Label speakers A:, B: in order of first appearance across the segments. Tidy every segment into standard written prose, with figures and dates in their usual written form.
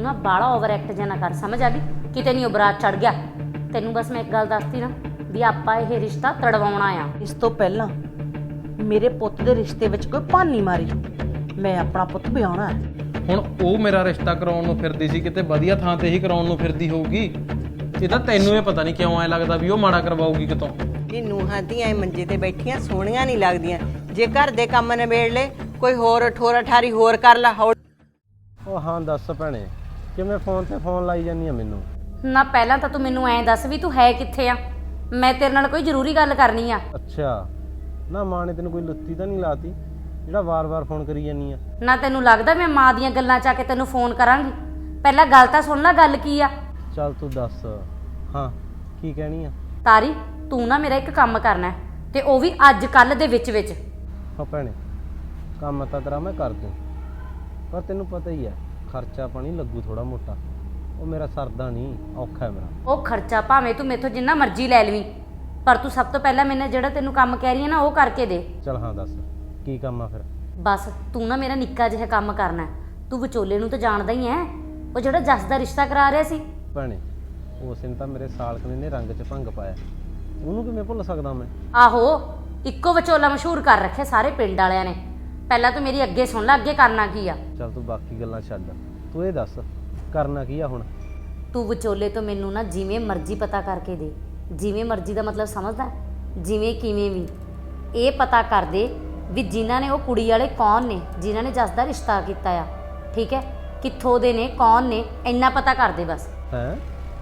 A: ना बाला over act जा ना कर, समझ आ गई? किते नहीं बरात चढ़ गया। तेनू बस मैं एक गल दसती ना भी आपां ये रिश्ता तड़वाउणा आ।
B: इस तो पहला मेरे पुੱਤ ਦੇ ਰਿਸ਼ਤੇ ਵਿੱਚ ਕੋਈ ਭਾਨੀ ਮਾਰੀ, ਮੈਂ ਆਪਣਾ ਪੁੱਤ ਵਿਆਹਣਾ ਹੈ।
C: ਹੁਣ ਉਹ ਮੇਰਾ ਰਿਸ਼ਤਾ ਕਰਾਉਣ ਨੂੰ ਫਿਰਦੀ ਸੀ, ਕਿਤੇ ਵਧੀਆ ਥਾਂ ਤੇ ਹੀ ਕਰਾਉਣ ਨੂੰ ਫਿਰਦੀ ਹੋਊਗੀ। ਇਹ ਤਾਂ ਤੈਨੂੰ ਇਹ ਪਤਾ ਨਹੀਂ ਕਿਉਂ ਐ ਲੱਗਦਾ ਵੀ ਉਹ ਮਾੜਾ ਕਰਵਾਊਗੀ ਕਿਤੋਂ।
D: ਇਹ ਨੂੰਹਾਂ ਧੀਆਂ ਮੰਜੇ ਤੇ ਬੈਠੀਆਂ ਸੋਹਣੀਆਂ ਨਹੀਂ ਲੱਗਦੀਆਂ। ਜੇ ਘਰ ਦੇ ਕੰਮ ਨਿਬੇੜ ਲੈ, ਕੋਈ ਹੋਰ ਠੋਰਾ ਠਾਰੀ ਹੋਰ ਕਰ ਲਾ।
E: ਉਹ ਹਾਂ ਦੱਸ ਭੈਣੇ, ਕਿਵੇਂ ਫੋਨ ਤੇ ਫੋਨ ਲਾਈ ਜਾਂਦੀ ਆ ਮੈਨੂੰ?
A: ना पहला तो तू मैनू ऐ दस भी तू है कित्थे आ, मैं तेरे नाल कोई जरूरी गल करनी आ।
E: ਅੱਛਾ ਨਾ ਮਾਂ ਨੇ ਤੈਨੂੰ ਕੋਈ ਲੁੱਤੀ ਤਾਂ ਨਹੀਂ ਲਾਤੀ ਜਿਹੜਾ ਵਾਰ-ਵਾਰ ਫੋਨ ਕਰੀ ਜਾਂਦੀ ਆ?
A: ना तेनू लगदा मैं मां दीयां गल्लां च आके तेनू फोन करांगी? पहला गल तां सुन ला, गल की आ।
E: ਚੱਲ ਤੂੰ ਦੱਸ ਹਾਂ ਕੀ ਕਹਿਣੀ ਆ?
A: तारी तू ना मेरा एक काम करना है, ते ओ भी अज कल दे विच विच।
E: ਹਾਂ ਭੈਣੇ ਕੰਮ ਤਾਂ ਤੇਰਾ ਮੈਂ ਕਰ ਦੂੰ, ਪਰ ਤੈਨੂੰ ਪਤਾ ਹੀ ਹੈ ਖਰਚਾ ਪਾਣੀ ਲੱਗੂ ਥੋੜਾ ਮੋਟਾ। ਉਹ ਮੇਰਾ ਸਰਦਾ ਨਹੀਂ, ਔਖਾ ਹੈ ਮੇਰਾ।
A: ਉਹ ਖਰਚਾ ਭਾਵੇਂ ਤੂੰ ਮੇਥੋਂ ਜਿੰਨਾ ਮਰਜ਼ੀ ਲੈ ਲਵੀਂ, ਪਰ ਤੂੰ ਸਭ ਤੋਂ ਪਹਿਲਾਂ ਮੈਨੇ ਜਿਹੜਾ ਤੈਨੂੰ ਕੰਮ ਕਹਿ ਰਹੀ ਹੈ ਨਾ ਉਹ ਕਰਕੇ ਦੇ।
E: ਚੱਲ ਹਾਂ ਦੱਸ ਕੀ ਕੰਮ ਆ ਫਿਰ?
A: ਬਸ ਤੂੰ ਨਾ ਮੇਰਾ ਨਿੱਕਾ ਜਿਹਾ ਕੰਮ ਕਰਨਾ ਹੈ। ਤੂੰ ਵਿਚੋਲੇ ਨੂੰ ਤਾਂ ਜਾਣਦਾ ਹੀ ਹੈ, ਉਹ ਜਿਹੜਾ ਜੱਸ ਦਾ ਰਿਸ਼ਤਾ ਕਰਾ ਰਿਹਾ ਸੀ।
E: ਭੈਣੇ ਉਸ ਨੇ ਤਾਂ ਮੇਰੇ ਸਾਲਕਨੇ ਨੇ ਰੰਗ 'ਚ ਭੰਗ ਪਾਇਆ, ਉਹਨੂੰ ਕਿਵੇਂ ਭੁੱਲ ਸਕਦਾ ਮੈਂ?
A: ਆਹੋ, ਇੱਕੋ ਵਿਚੋਲਾ ਮਸ਼ਹੂਰ ਕਰ ਰੱਖਿਆ ਸਾਰੇ ਪਿੰਡ ਵਾਲਿਆਂ ਨੇ। ਪਹਿਲਾਂ ਤੂੰ ਮੇਰੀ ਅੱਗੇ ਸੁਣ ਲੈ, ਅੱਗੇ ਕਰਨਾ ਕੀ ਆ।
E: ਚੱਲ ਤੂੰ ਬਾਕੀ ਗੱਲਾਂ ਛੱਡ, ਤੂੰ ਇਹ ਦੱਸ ਕਰਨਾ ਕੀ ਆ ਹੁਣ?
A: ਤੂੰ ਵਿਚੋਲੇ ਤੋਂ ਮੈਨੂੰ ਨਾ ਜਿਵੇਂ ਮਰਜ਼ੀ ਪਤਾ ਕਰਕੇ ਦੇ। ਜਿਵੇਂ ਮਰਜ਼ੀ ਦਾ ਮਤਲਬ ਸਮਝਦਾ, ਜਿਵੇਂ ਕਿਵੇਂ ਵੀ ਇਹ ਪਤਾ ਕਰ ਦੇ ਵੀ ਜਿਨ੍ਹਾਂ ਨੇ ਉਹ ਕੁੜੀ ਵਾਲੇ ਕੌਣ ਨੇ, ਜਿਨ੍ਹਾਂ ਨੇ ਜੱਸ ਦਾ ਰਿਸ਼ਤਾ ਕੀਤਾ ਆ, ਠੀਕ ਹੈ? ਕਿੱਥੋਂ ਦੇ ਨੇ, ਕੌਣ ਨੇ, ਇੰਨਾ ਪਤਾ ਕਰ ਦੇ ਬਸ।
E: ਹੈ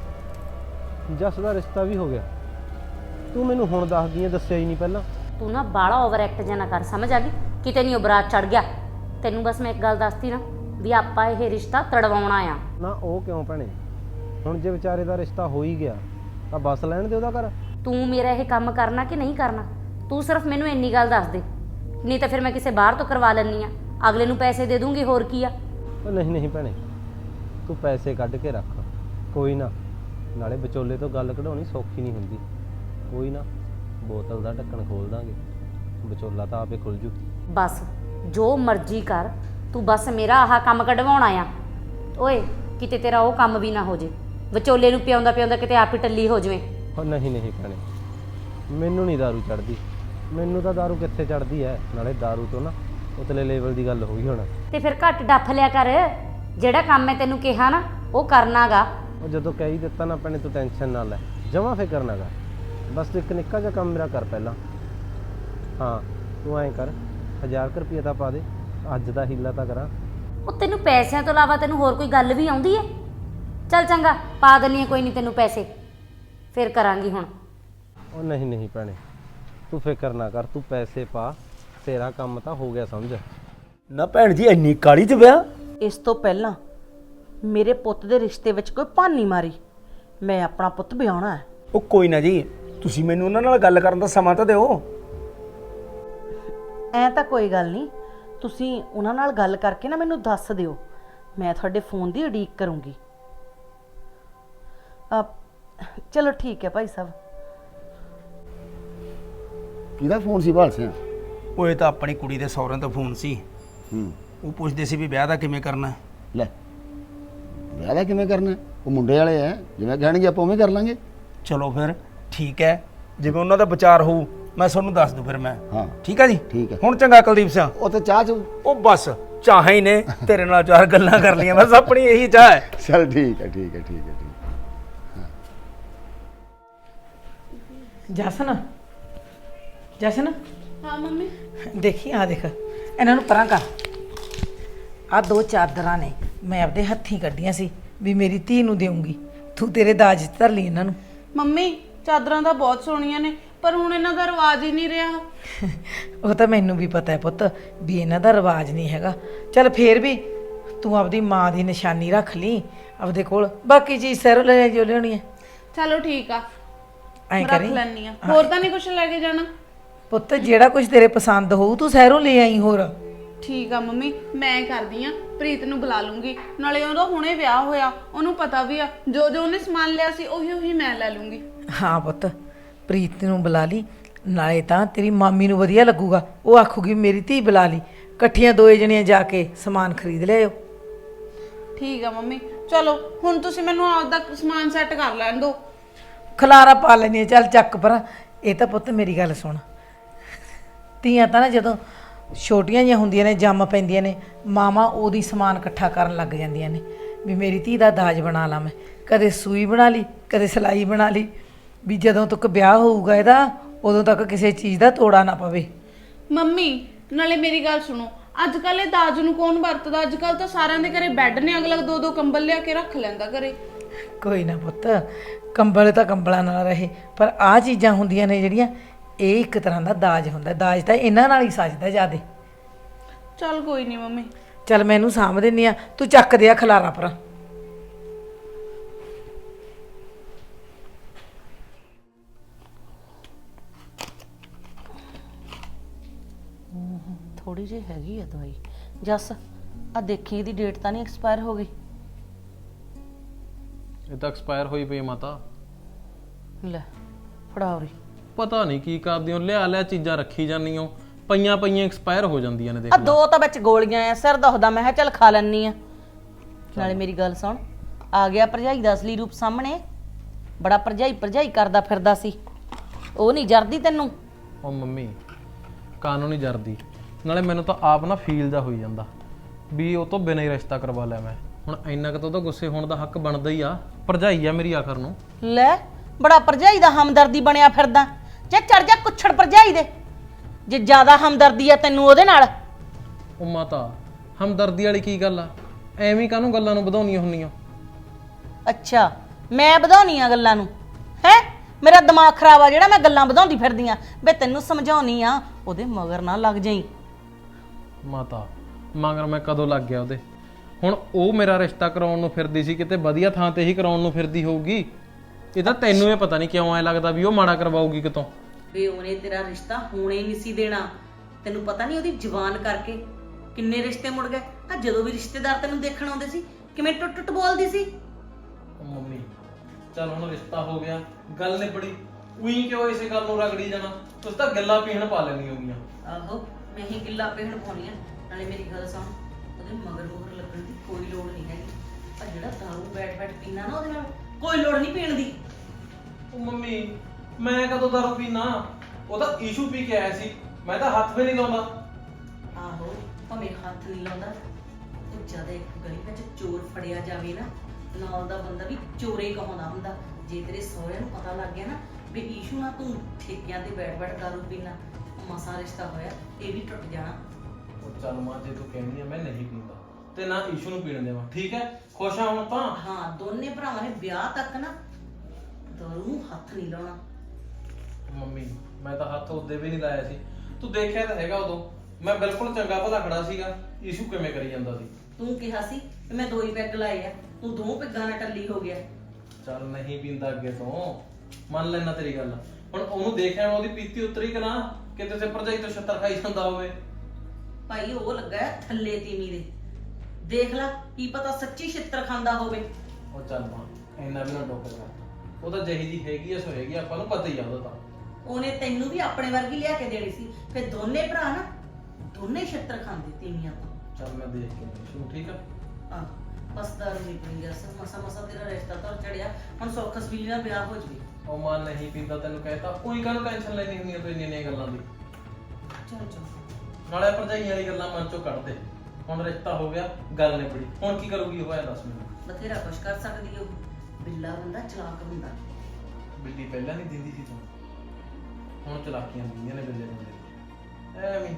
E: ਜੱਸ ਦਾ ਰਿਸ਼ਤਾ ਵੀ ਹੋ ਗਿਆ? ਤੂੰ ਮੈਨੂੰ ਹੁਣ ਦੱਸਦੀ ਆ, ਦੱਸਿਆ ਹੀ ਨਹੀਂ ਪਹਿਲਾਂ।
A: ਤੂੰ ਨਾ ਬਾਲਾ ਓਵਰ ਐਕਟ ਜਾਂ ਨਾ ਕਰ, ਸਮਝ ਆ ਗਈ? ਕਿਤੇ ਨਹੀਂ ਉਹ ਬਰਾਤ ਚੜ ਗਿਆ। ਤੈਨੂੰ ਬਸ ਮੈਂ ਇੱਕ ਗੱਲ ਦੱਸਤੀ ਨਾ ਵੀ ਆਪਾਂ ਇਹ ਰਿਸ਼ਤਾ ਤੜਵਾਉਣਾ ਆ।
E: ਨਾ ਉਹ ਕਿਉਂ ਭੈਣੇ, ਹੁਣ ਜੇ ਵਿਚਾਰੇ ਦਾ ਰਿਸ਼ਤਾ ਹੋ ਹੀ ਗਿਆ ਤਾਂ ਬਸ ਲੈਣ ਦੇ ਉਹਦਾ ਘਰ।
A: ਤੂੰ ਮੇਰਾ ਇਹ ਕੰਮ ਕਰਨਾ ਕਿ ਨਹੀਂ ਕਰਨਾ, ਤੂੰ ਸਿਰਫ ਮੈਨੂੰ ਇੰਨੀ ਗੱਲ ਦੱਸ ਦੇ, ਨਹੀਂ ਤਾਂ ਫਿਰ ਮੈਂ ਕਿਸੇ ਬਾਹਰ ਤੋਂ ਕਰਵਾ ਲੈਂਦੀ ਆ, ਅਗਲੇ ਨੂੰ ਪੈਸੇ ਦੇ ਦੂੰਗੀ, ਹੋਰ ਕੀ ਆ।
E: ਉਹ ਨਹੀਂ ਨਹੀਂ ਭੈਣੇ, ਤੂੰ ਪੈਸੇ ਕੱਢ ਕੇ ਰੱਖ, ਕੋਈ ਨਾ। ਨਾਲੇ ਵਿਚੋਲੇ ਤੋਂ ਗੱਲ ਕਢਾਉਣੀ ਸੌਖੀ ਨਹੀਂ ਹੁੰਦੀ। ਕੋਈ ਨਾ, ਬੋਤਲ ਦਾ ਢੱਕਣ ਖੋਲ ਦਾਂਗੇ, ਵਿਚੋਲਾ ਤਾਂ ਆਪੇ ਖੁੱਲ ਜੂ।
A: ਬਸ ਜੋ ਮਰਜ਼ੀ ਕਰ, ਤੂੰ ਬਸ ਮੇਰਾ ਆਹ ਕੰਮ ਕਢਵਾਉਣਾ ਆ। ਓਏ ਕਿਤੇ ਤੇਰਾ ਉਹ ਕੰਮ ਵੀ ਨਾ ਹੋ ਜੇ, ਵਿਚੋਲੇ ਨੂੰ ਪਿਆਉਂਦਾ ਪਿਆਉਂਦਾ ਕਿਤੇ ਆਪ ਹੀ ਟੱਲੀ ਹੋ ਜਾਵੇ।
E: ਉਹ ਨਹੀਂ ਨਹੀਂ ਭੈਣੇ, ਮੈਨੂੰ ਨਹੀਂ ਦਾਰੂ ਚੜਦੀ। ਮੈਨੂੰ ਤਾਂ ਦਾਰੂ ਕਿੱਥੇ ਚੜਦੀ ਹੈ? ਨਾਲੇ ਦਾਰੂ ਤੋਂ ਨਾ ਉਤਲੇ ਲੈਵਲ ਦੀ ਗੱਲ ਹੋ ਗਈ ਹੁਣ।
A: ਤੇ ਫਿਰ ਘੱਟ ਡੱਫ ਲਿਆ ਕਰ, ਜਿਹੜਾ ਕੰਮ ਮੈਂ ਤੈਨੂੰ ਕਿਹਾ ਨਾ ਉਹ ਕਰਨਾਗਾ।
E: ਉਹ ਜਦੋਂ ਕਹਿ ਹੀ ਦਿੱਤਾ ਨਾ ਭੈਣੇ, ਤੂੰ ਟੈਨਸ਼ਨ ਨਾ ਲੈ, ਜਮਾਂ ਫਿਕਰ ਨਾ ਕਰ। ਬਸ ਤੂੰ ਇੱਕ ਨਿੱਕਾ ਜਿਹਾ ਕੰਮ ਮੇਰਾ ਕਰ ਪਹਿਲਾਂ। ਹਾਂ ਤੂੰ ਐਂ ਕਰ, 1000 ਰੁਪਏ ਤਾਂ ਪਾ ਦੇ, ਅੱਜ ਦਾ ਹੀਲਾ ਤਾਂ ਕਰਾਂ।
A: ਉਹ ਤੈਨੂੰ ਪੈਸਿਆਂ ਤੋਂ ਇਲਾਵਾ ਤੈਨੂੰ ਹੋਰ ਕੋਈ ਗੱਲ ਵੀ ਆਉਂਦੀ ਹੈ? ਚੱਲ ਚੰਗਾ, ਪਾ ਦਿੰਨੀ ਆ, ਕੋਈ ਨਹੀਂ ਤੈਨੂੰ ਪੈਸੇ, ਫਿਰ ਕਰਾਂਗੀ ਹੁਣ।
E: ਉਹ ਨਹੀਂ ਨਹੀਂ ਭੈਣੇ, ਤੂੰ ਫਿਕਰ ਨਾ ਕਰ, ਤੂੰ ਪੈਸੇ ਪਾ, ਤੇਰਾ ਕੰਮ ਤਾਂ ਹੋ ਗਿਆ ਸਮਝ।
F: ਨਾ ਭੈਣ ਜੀ ਇੰਨੀ ਕਾਲੀ ਚ ਵਿਆਹ?
B: ਇਸ ਤੋਂ ਪਹਿਲਾਂ ਮੇਰੇ ਪੁੱਤ ਦੇ ਰਿਸ਼ਤੇ ਵਿੱਚ ਕੋਈ ਭਾਨੀ ਮਾਰੀ, ਮੈਂ ਆਪਣਾ ਪੁੱਤ ਵਿਆਹਣਾ ਹੈ।
F: ਉਹ ਕੋਈ ਨਾ ਜੀ, ਤੁਸੀਂ ਮੈਨੂੰ ਉਹਨਾਂ ਨਾਲ ਗੱਲ ਕਰਨ ਦਾ ਸਮਾਂ ਤਾਂ ਦਿਓ।
B: ਐ ਤਾਂ ਕੋਈ ਗੱਲ ਨਹੀਂ, ਤੁਸੀਂ ਉਹਨਾਂ ਨਾਲ ਗੱਲ ਕਰਕੇ ਨਾ ਮੈਨੂੰ ਦੱਸ ਦਿਓ, ਮੈਂ ਤੁਹਾਡੇ ਫੋਨ ਦੀ ਉਡੀਕ ਕਰੂੰਗੀ। ਚਲੋ ਠੀਕ ਹੈ ਭਾਈ ਸਾਹਿਬ।
G: ਕਿਹਦਾ ਫੋਨ ਸੀ ਭਾਲ ਸਿਆ?
F: ਉਹ ਇਹ ਤਾਂ ਆਪਣੀ ਕੁੜੀ ਦੇ ਸਹੁਰਿਆਂ ਤੋਂ ਫੋਨ ਸੀ। ਉਹ ਪੁੱਛਦੇ ਸੀ ਵੀ ਵਿਆਹ ਦਾ ਕਿਵੇਂ ਕਰਨਾ।
G: ਲੈ ਵਿਆਹ ਦਾ ਕਿਵੇਂ ਕਰਨਾ? ਉਹ ਮੁੰਡੇ ਵਾਲੇ ਐ, ਜਿਵੇਂ ਕਹਿਣਗੇ ਆਪਾਂ ਉਵੇਂ ਕਰ ਲਾਂਗੇ।
F: ਚਲੋ ਫਿਰ ਠੀਕ ਹੈ, ਜਿਵੇਂ ਉਹਨਾਂ ਦਾ ਵਿਚਾਰ ਹੋਊ ਮੈਂ ਤੁਹਾਨੂੰ ਦੱਸ ਦੂੰ ਫਿਰ ਮੈਂ।
G: ਹਾਂ
F: ਠੀਕ ਹੈ ਜੀ,
G: ਠੀਕ ਹੈ।
F: ਹੁਣ ਚੰਗਾ ਕੁਲਦੀਪ ਸਿੰਘ।
G: ਉਹ ਤੇ ਚਾਹ ਚ
F: ਉਹ ਬਸ ਚਾਹਾਂ ਹੀ ਨੇ, ਤੇਰੇ ਨਾਲ ਚਾਰ ਗੱਲਾਂ ਕਰ ਲਈਆਂ, ਬਸ ਆਪਣੀ ਇਹੀ ਚਾਹ ਹੈ।
G: ਚੱਲ ਠੀਕ ਹੈ ਠੀਕ ਹੈ ਠੀਕ ਹੈ ਠੀਕ।
B: ਜਸਨ, ਜਸਨ
H: ਹਾਂ ਮੰਮੀ।
B: ਦੇਖੀ ਆ ਦੇਖ, ਇਹਨਾਂ ਨੂੰ ਪਰਾਂ ਕਰ। ਆ 2 ਚਾਦਰਾਂ ਨੇ, ਮੈਂ ਆਪਦੇ ਹੱਥੀਂ ਕੱਢੀਆਂ ਸੀ ਵੀ ਮੇਰੀ ਧੀ ਨੂੰ ਦੇਵਾਂਗੀ, ਤੂੰ ਤੇਰੇ ਦਾਜ 'ਚ ਧਰ ਲਈ ਇਹਨਾਂ ਨੂੰ।
H: ਮੰਮੀ ਚਾਦਰਾਂ ਤਾਂ ਬਹੁਤ ਸੋਹਣੀਆਂ ਨੇ, ਪਰ ਹੁਣ ਇਹਨਾਂ ਦਾ ਰਿਵਾਜ ਹੀ ਨਹੀਂ ਰਿਹਾ।
B: ਉਹ ਤਾਂ ਮੈਨੂੰ ਵੀ ਪਤਾ ਹੈ ਪੁੱਤ ਵੀ ਇਹਨਾਂ ਦਾ ਰਿਵਾਜ ਨਹੀਂ ਹੈਗਾ। ਚੱਲ ਫੇਰ ਵੀ ਤੂੰ ਆਪਦੀ ਮਾਂ ਦੀ ਨਿਸ਼ਾਨੀ ਰੱਖ ਲਈ ਆਪਦੇ ਕੋਲ, ਬਾਕੀ ਚੀਜ਼ ਸਹਿਰੋਂ ਲੈ ਜੋ ਲਿਆਉਣੀ ਹੈ।
H: ਚਲੋ ਠੀਕ ਆ,
B: ਐਂ
H: ਰੱਖ
B: ਕਰੀ
H: ਲੈਣੀ ਆ। ਹੋਰ ਤਾਂ ਨਹੀਂ ਕੁਝ ਲੈ ਕੇ ਜਾਣਾ?
B: ਪੁੱਤ ਜਿਹੜਾ ਕੁਝ ਤੇਰੇ ਪਸੰਦ ਹੋਊ ਤੂੰ ਸਹਿਰੋਂ ਲੈ ਆਈ। ਹੋਰ
H: ਠੀਕ ਆ ਮੰਮੀ, ਮੈਂ ਕਰਦੀ ਆ, ਪ੍ਰੀਤ ਨੂੰ ਬੁਲਾ ਲੂੰਗੀ। ਨਾਲੇ ਉਹਦਾ ਹੁਣੇ ਵਿਆਹ ਹੋਇਆ, ਉਹਨੂੰ ਪਤਾ ਵੀ ਆ ਜੋ ਜੋ ਉਹਨੇ ਸਮਾਨ ਲਿਆ ਸੀ ਉਹੀ ਉਹੀ ਮੈਂ ਲੈ ਲੂੰਗੀ।
B: ਹਾਂ ਪੁੱਤ, ਪ੍ਰੀਤ ਨੂੰ ਬੁਲਾ ਲਈ, ਨਾਲੇ ਤਾਂ ਤੇਰੀ ਮਾਮੀ ਨੂੰ ਵਧੀਆ ਲੱਗੂਗਾ, ਉਹ ਆਖੂਗੀ ਮੇਰੀ ਧੀ ਬੁਲਾ ਲਈ, ਇਕੱਠੀਆਂ ਦੋਏ ਜਣੀਆਂ ਜਾ ਕੇ ਸਮਾਨ ਖਰੀਦ ਲਿਆਓ।
H: ਠੀਕ ਆ ਮੰਮੀ, ਚਲੋ ਹੁਣ ਤੁਸੀਂ ਮੈਨੂੰ ਆਪਦਾ ਸਮਾਨ ਸੈੱਟ ਕਰ ਲੈਣ ਦਿਓ।
B: ਖਲਾਰਾ ਪਾ ਲੈਣੀ ਚੱਲ ਚੱਕ ਪਰ। ਇਹ ਤਾਂ ਪੁੱਤ ਮੇਰੀ ਗੱਲ ਸੁਣ, ਧੀਆਂ ਤਾਂ ਨਾ ਜਦੋਂ ਛੋਟੀਆਂ ਜਿਹੀਆਂ ਹੁੰਦੀਆਂ ਨੇ, ਜੰਮ ਪੈਂਦੀਆਂ ਨੇ, ਮਾਵਾਂ ਉਹਦੀ ਸਮਾਨ ਇਕੱਠਾ ਕਰਨ ਲੱਗ ਜਾਂਦੀਆਂ ਨੇ ਵੀ ਮੇਰੀ ਧੀ ਦਾ ਦਾਜ ਬਣਾ ਲਾਂ ਮੈਂ। ਕਦੇ ਸੂਈ ਬਣਾ ਲਈ, ਕਦੇ ਸਿਲਾਈ ਬਣਾ ਲਈ, ਵੀ ਜਦੋਂ ਤੱਕ ਵਿਆਹ ਹੋਊਗਾ ਇਹਦਾ ਉਦੋਂ ਤੱਕ ਕਿਸੇ ਚੀਜ਼ ਦਾ ਤੋੜਾ ਨਾ ਪਵੇ।
H: ਮੰਮੀ ਨਾਲੇ ਮੇਰੀ ਗੱਲ ਸੁਣੋ, ਅੱਜ ਕੱਲ ਇਹ ਦਾਜ ਨੂੰ ਕੌਣ ਵਰਤਦਾ? ਅੱਜ ਕੱਲ ਤਾਂ ਸਾਰਿਆਂ ਦੇ ਘਰੇ ਬੈੱਡ ਨੇ, ਅਗਲਾ 2-2 ਕੰਬਲ ਲਿਆ ਕੇ ਰੱਖ ਲੈਂਦਾ ਘਰੇ।
B: ਕੋਈ ਨਾ ਪੁੱਤ, ਕੰਬਲ ਤਾਂ ਕੰਬਲਾਂ ਨਾਲ ਰਹੇ, ਪਰ ਆਹ ਚੀਜ਼ਾਂ ਹੁੰਦੀਆਂ ਨੇ ਜਿਹੜੀਆਂ, ਇਹ ਇੱਕ ਤਰ੍ਹਾਂ ਦਾ ਦਾਜ ਹੁੰਦਾ। ਦਾਜ ਤਾਂ ਇਹਨਾਂ ਨਾਲ ਹੀ ਸਜਦਾ ਜ਼ਿਆਦੇ।
H: ਚੱਲ ਕੋਈ ਨਹੀਂ ਮੰਮੀ।
B: ਚੱਲ ਮੈਂ ਇਹਨੂੰ ਸਾਂਭ ਦਿੰਨੀ ਆ, ਤੂੰ ਚੱਕ ਦੇ ਆ ਖਲਾਰਾ ਪਰ।
I: ਥੋੜੀ ਜਿਹੀ ਹੈਗੀ ਆ ਦਵਾਈ। ਜੱਸ ਆ ਦੇਖੀ ਇਹਦੀ ਡੇਟ ਤਾਂ ਨਹੀਂ ਐਕਸਪਾਇਰ ਹੋ ਗਈ?
C: ਇਹ ਤਾਂ ਐਕਸਪਾਇਰ ਹੋਈ ਪਈ ਮਾਤਾ।
I: ਲੈ ਫੜਾ ਉਰੇ।
C: ਪਤਾ ਨਹੀਂ ਕੀ ਕਰਦੀ ਹੋ, ਲਿਆ ਚੀਜ਼ਾਂ ਰੱਖੀ ਜਾਂਦੀ ਹੋ, ਪਈਆਂ ਐਕਸਪਾਇਰ ਹੋ ਜਾਂਦੀਆਂ ਨੇ। ਦੇਖ
I: ਆ
C: ਲੈ,
I: 2 ਤਾਂ ਵਿੱਚ ਗੋਲੀਆਂ ਆ, ਸਿਰ ਦੁਖਦਾ, ਮੈਂ ਕਿਹਾ ਚੱਲ ਖਾ ਲੈਣੀ ਆ। ਨਾਲੇ ਮੇਰੀ ਗੱਲ ਸੁਣ, ਆ ਗਿਆ ਭਰਜਾਈ ਦਾ ਅਸਲੀ ਰੂਪ ਸਾਹਮਣੇ। ਬੜਾ ਭਰਜਾਈ ਕਰਦਾ ਫਿਰਦਾ ਸੀ, ਉਹ ਨਹੀਂ ਜਰਦੀ ਤੈਨੂੰ?
C: ਉਹ ਮੰਮੀ ਕਾਨੂੰਨੀ ਜਰਦੀ, ਨਾਲੇ ਮੈਨੂੰ ਤਾਂ ਆਪ ਨਾ ਫੀਲ ਦਾ ਹੋਈ ਜਾਂਦਾ ਵੀ ਉਹ ਤੋਂ ਬਿਨਾਂ ਹੀ ਰਿਸ਼ਤਾ ਕਰਵਾ ਲਿਆ ਮੈਂ। ਹੁਣ ਇੰਨਾ ਕੁ ਤਾਂ ਉਹਦਾ ਗੁੱਸੇ ਹੋਣ ਦਾ ਹੱਕ ਬਣਦਾ ਹੀ ਆ, ਭਰਜਾਈ ਆ ਮੇਰੀ ਆਖਰ ਨੂੰ।
I: ਲੈ ਬੜਾ ਭਰਜਾਈ ਦਾ ਹਮਦਰਦੀ ਬਣਿਆ ਫਿਰਦਾ। ਜੇ ਚੜ ਜਾ ਕੁੱਛੜ ਭਰਜਾਈ ਦੇ, ਜੇ ਜ਼ਿਆਦਾ ਹਮਦਰਦੀ ਆ ਤੈਨੂੰ ਉਹਦੇ ਨਾਲ।
C: ਉਹ ਮਾਤਾ ਹਮਦਰਦੀ ਵਾਲੀ ਕੀ ਗੱਲ ਆ? ਐਵੇਂ ਕਾਹਨੂੰ ਗੱਲਾਂ ਨੂੰ ਵਧਾਉਣੀਆਂ ਹੁੰਦੀਆਂ?
I: ਅੱਛਾ ਮੈਂ ਵਧਾਉਣੀ ਆ ਗੱਲਾਂ ਨੂੰ? ਹੈ ਮੇਰਾ ਦਿਮਾਗ ਖਰਾਬ ਆ ਜਿਹੜਾ ਮੈਂ ਗੱਲਾਂ ਵਧਾਉਂਦੀ ਫਿਰਦੀ ਆ? ਵੇ ਤੈਨੂੰ ਸਮਝਾਉਣੀ ਆ, ਉਹਦੇ ਮਗਰ ਨਾ ਲੱਗ ਜਾਈ।
C: ਮਾਤਾ ਮਗਰ ਮੈਂ ਕਦੋਂ ਲੱਗ ਗਿਆ ਉਹਦੇ? ਹੁਣ ਉਹ ਮੇਰਾ ਰਿਸ਼ਤਾ ਕਰਾਉਣ ਨੂੰ ਫਿਰਦੀ ਸੀ, ਕਿਤੇ ਵਧੀਆ ਥਾਂ ਤੇ ਹੀ ਕਰਾਉਣ ਨੂੰ ਫਿਰਦੀ ਹੋਊਗੀ। ਇਹ ਤਾਂ ਤੈਨੂੰ ਇਹ ਪਤਾ ਨਹੀਂ ਕਿਉਂ ਐ ਲੱਗਦਾ ਵੀ ਉਹ ਮਾੜਾ ਕਰਵਾਊਗੀ ਕਿਤੋਂ।
I: ਵੇ ਉਹਨੇ ਤੇਰਾ ਰਿਸ਼ਤਾ ਹੋਣੇ ਨਹੀਂ ਸੀ ਦੇਣਾ। ਤੈਨੂੰ ਪਤਾ ਨਹੀਂ ਉਹਦੀ ਜ਼ੁਬਾਨ ਕਰਕੇ ਕਿੰਨੇ ਰਿਸ਼ਤੇ ਮੁੜ ਗਏ। ਆ ਜਦੋਂ ਵੀ ਰਿਸ਼ਤੇਦਾਰ ਤੈਨੂੰ ਦੇਖਣ ਆਉਂਦੇ ਸੀ ਕਿਵੇਂ ਟੁੱਟ ਬੋਲਦੀ ਸੀ।
C: ਉਹ ਮੰਮੀ ਚੱਲ ਹੁਣ ਰਿਸ਼ਤਾ ਹੋ ਗਿਆ, ਗੱਲ ਨਿਬੜੀ, ਉਹੀ ਕਿਉਂ ਇਸੇ ਗੱਲ ਨੂੰ ਰਗੜੀ ਜਾਣਾ? ਤੁਸੀਂ ਤਾਂ ਗੱਲਾਂ ਪੀਣ ਪਾ ਲੈਣੀ ਹੋਗੀਆਂ।
I: ਆਹੋ ਮੈਂ ਹੀ ਗਿੱਲਾ ਪੇਹਣ ਪਾਉਣੀ ਆ। ਨਾਲੇ ਮੇਰੀ ਗੱਲ ਸੁਣ, ਉਹਦੇ ਮਗਰ ਲੱਗਣ ਦੀ ਕੋਈ ਲੋੜ ਨਹੀਂ ਹੈਗੀ। ਆ ਜਿਹੜਾ ਦਾਰੂ ਬੈਠ ਪੀਣਾ ਨਾ, ਉਹਦੇ ਨਾਲ ਕੋਈ ਲੋੜ ਨਹੀਂ ਪੀਣ ਦੀ।
C: ਉਹ ਮੰਮੀ ਮੈਂ ਕਦੋਂ ਦਾਰੂ ਪੀਣਾ? ਉਹ ਤਾਂ ਈਸ਼ੂ ਪੀ ਕੇ ਆਇਆ ਸੀ, ਮੈਂ ਤਾਂ ਹੱਥ ਵੀ ਨਹੀਂ ਲਾਉਂਦਾ।
I: ਆਹੋ ਭਾਵੇਂ ਹੱਥ ਨਹੀਂ ਲਾਉਂਦਾ, ਉਹ ਜਦ ਇੱਕ ਗਲੀ ਵਿੱਚ ਚੋਰ ਫੜਿਆ ਜਾਵੇ ਨਾ, ਨਾਲ ਦਾ ਬੰਦਾ ਵੀ ਚੋਰੇ ਕਹਾਉਂਦਾ ਹੁੰਦਾ। ਜੇ ਤੇਰੇ ਸਹੁਰਿਆਂ ਨੂੰ ਪਤਾ ਲੱਗ ਗਿਆ ਨਾ ਵੀ ਈਸ਼ੂ ਨਾਲ ਤੂੰ ਠੇਕਿਆਂ ਤੇ ਬੈਠ ਦਾਰੂ ਪੀਣਾ, ਮਸਾ ਰਿਸ਼ਤਾ ਹੋਇਆ, ਇਹ ਵੀ ਟੁੱਟ ਜਾਣਾ।
C: ਉਹ ਚੱਲ ਮਾਂ ਜੇ ਤੂੰ ਕਹਿੰਦੀ ਆ ਮੈਂ ਨਹੀਂ ਪੀਂਦਾ ਤੇ ਨਾ ਈਸ਼ੂ ਨੂੰ ਪੀਣ ਦੇਵਾਂ, ਠੀਕ ਹੈ? ਖੁਸ਼ ਆ ਹੁਣ ਤਾਂ?
I: ਹਾਂ ਦੋਨੇ ਭਰਾਵਾਂ ਨੇ ਵਿਆਹ ਤੱਕ ਨਾ ਦਾਰੂ ਨੂੰ ਹੱਥ ਨਹੀਂ ਲਾਉਣਾ।
C: ਮੰਮੀ ਮੈਂ ਤਾਂ ਹੱਥ ਉਹਦੇ ਵੀ ਨਹੀਂ ਲਾਇਆ ਸੀ, ਤੂੰ ਦੇਖਿਆ ਤਾਂ ਹੈਗਾ ਉਦੋਂ ਮੈਂ ਬਿਲਕੁਲ ਚੰਗਾ ਭਲਾ ਖੜਾ ਸੀਗਾ। ਈਸ਼ੂ ਕਿਵੇਂ ਕਰੀ ਜਾਂਦਾ ਸੀ?
I: ਤੂੰ ਕਿਹਾ ਸੀ ਕਿ ਮੈਂ 2 ਹੀ ਪੈਗ ਲਾਏ ਆ, ਤੂੰ 2 ਪੈਗਾਂ ਨਾਲ ਟੱਲੀ ਹੋ ਗਿਆ।
C: ਚੱਲ ਨਹੀਂ ਪੀਂਦਾ ਅੱਗੇ ਤੋਂ, ਮੰਨ ਲੈਣਾ ਤੇਰੀ ਗੱਲ। ਹੁਣ ਉਹਨੂੰ ਦੇਖਿਆ ਮੈਂ ਉਹਦੀ ਪੀਤੀ ਉਤਰੀ ਕਿ ਨਾ, ਕਿਤੇ ਤੇ ਭਰਜਾਈ ਤੋਂ ਛੱਤਰ ਖਾਈ ਜਾਂਦਾ ਹੋਵੇ।
I: ਭਾਈ ਉਹ ਲੱਗਾ ਹੈ ਥੱਲੇ ਤੀਵੀਂ ਦੇ, ਦੇਖ ਲੈ ਕੀ ਪਤਾ ਸੱਚੀ ਛਿੱਤਰ ਖਾਂਦਾ ਹੋਵੇ।
C: ਉਹ ਚੱਲ ਮਾਂ ਇੰਨਾ ਵੀ ਨਾ ਡੋਕ ਕਰ, ਉਹ ਤਾਂ ਜਿਹੀ ਜੀ ਹੈਗੀ ਐ ਸੋ ਹੈਗੀ, ਆਪਾਂ ਨੂੰ ਪਤਾ ਹੀ ਆ ਉਹਦਾ। ਤਾਂ
I: ਉਹਨੇ ਤੈਨੂੰ ਵੀ ਆਪਣੇ ਵਰਗੀ ਲਿਆ ਕੇ ਦੇਣੀ ਸੀ, ਫਿਰ ਦੋਨੇ ਭਰਾ ਨਾ ਦੋਨੇ ਛਿੱਤਰ ਖਾਂਦੇ ਤੀਵੀਆਂ ਤੋਂ।
C: ਚੱਲ ਮੈਂ ਦੇਖ ਕੇ ਈਸ਼ੂ, ਠੀਕ ਆ?
I: ਆ ਬਸ ਦਾਰੂ ਨਹੀਂ ਪੀਣੀ ਜੱਸ, ਮਸਾ ਤੇਰਾ ਰਿਸ਼ਤਾ ਤਾਂ ਚੜਿਆ, ਹੁਣ ਸੌਖ ਸਬੀਲੀ ਨਾਲ ਵਿਆਹ ਹੋ ਜਵੇ।
C: ਉਹ ਮਾਂ ਨਹੀਂ ਪੀਂਦਾ ਤੈਨੂੰ ਕਹਿਤਾ, ਕੋਈ ਕਾਹਨੂੰ ਟੈਨਸ਼ਨ ਲੈਣੀ ਹੁੰਦੀ ਆ ਤੂੰ ਇੰਨੀਆਂ ਗੱਲਾਂ ਦੀ?
I: ਚਲ
C: ਨਾਲੇ ਭਰਜਾਈਆਂ ਵਾਲੀ ਗੱਲਾਂ ਮਨ ਚੋਂ ਕੱਢ ਦੇ। ਹੁਣ ਰਿਸ਼ਤਾ ਹੋ ਗਿਆ, ਗੱਲ ਨਿਬੜੀ, ਹੁਣ ਕੀ ਕਰੂਗੀ ਉਹ? ਐ ਦੱਸ ਮੈਨੂੰ।
I: ਬਥੇਰਾ ਕੁਛ ਕਰ ਸਕਦੀ ਉਹ, ਬਿੱਲਾ ਬੰਦਾ ਚਲਾਕ ਹੁੰਦਾ।
C: ਬਿੱਲੀ ਪਹਿਲਾਂ ਨਹੀਂ ਦਿੰਦੀ ਸੀ ਤੂੰ, ਹੁਣ ਚਲਾਕੀਆਂ ਦਿੰਦੀਆਂ ਨੇ ਬਿੱਲੇ ਬੰਦੇ। ਐਵੇਂ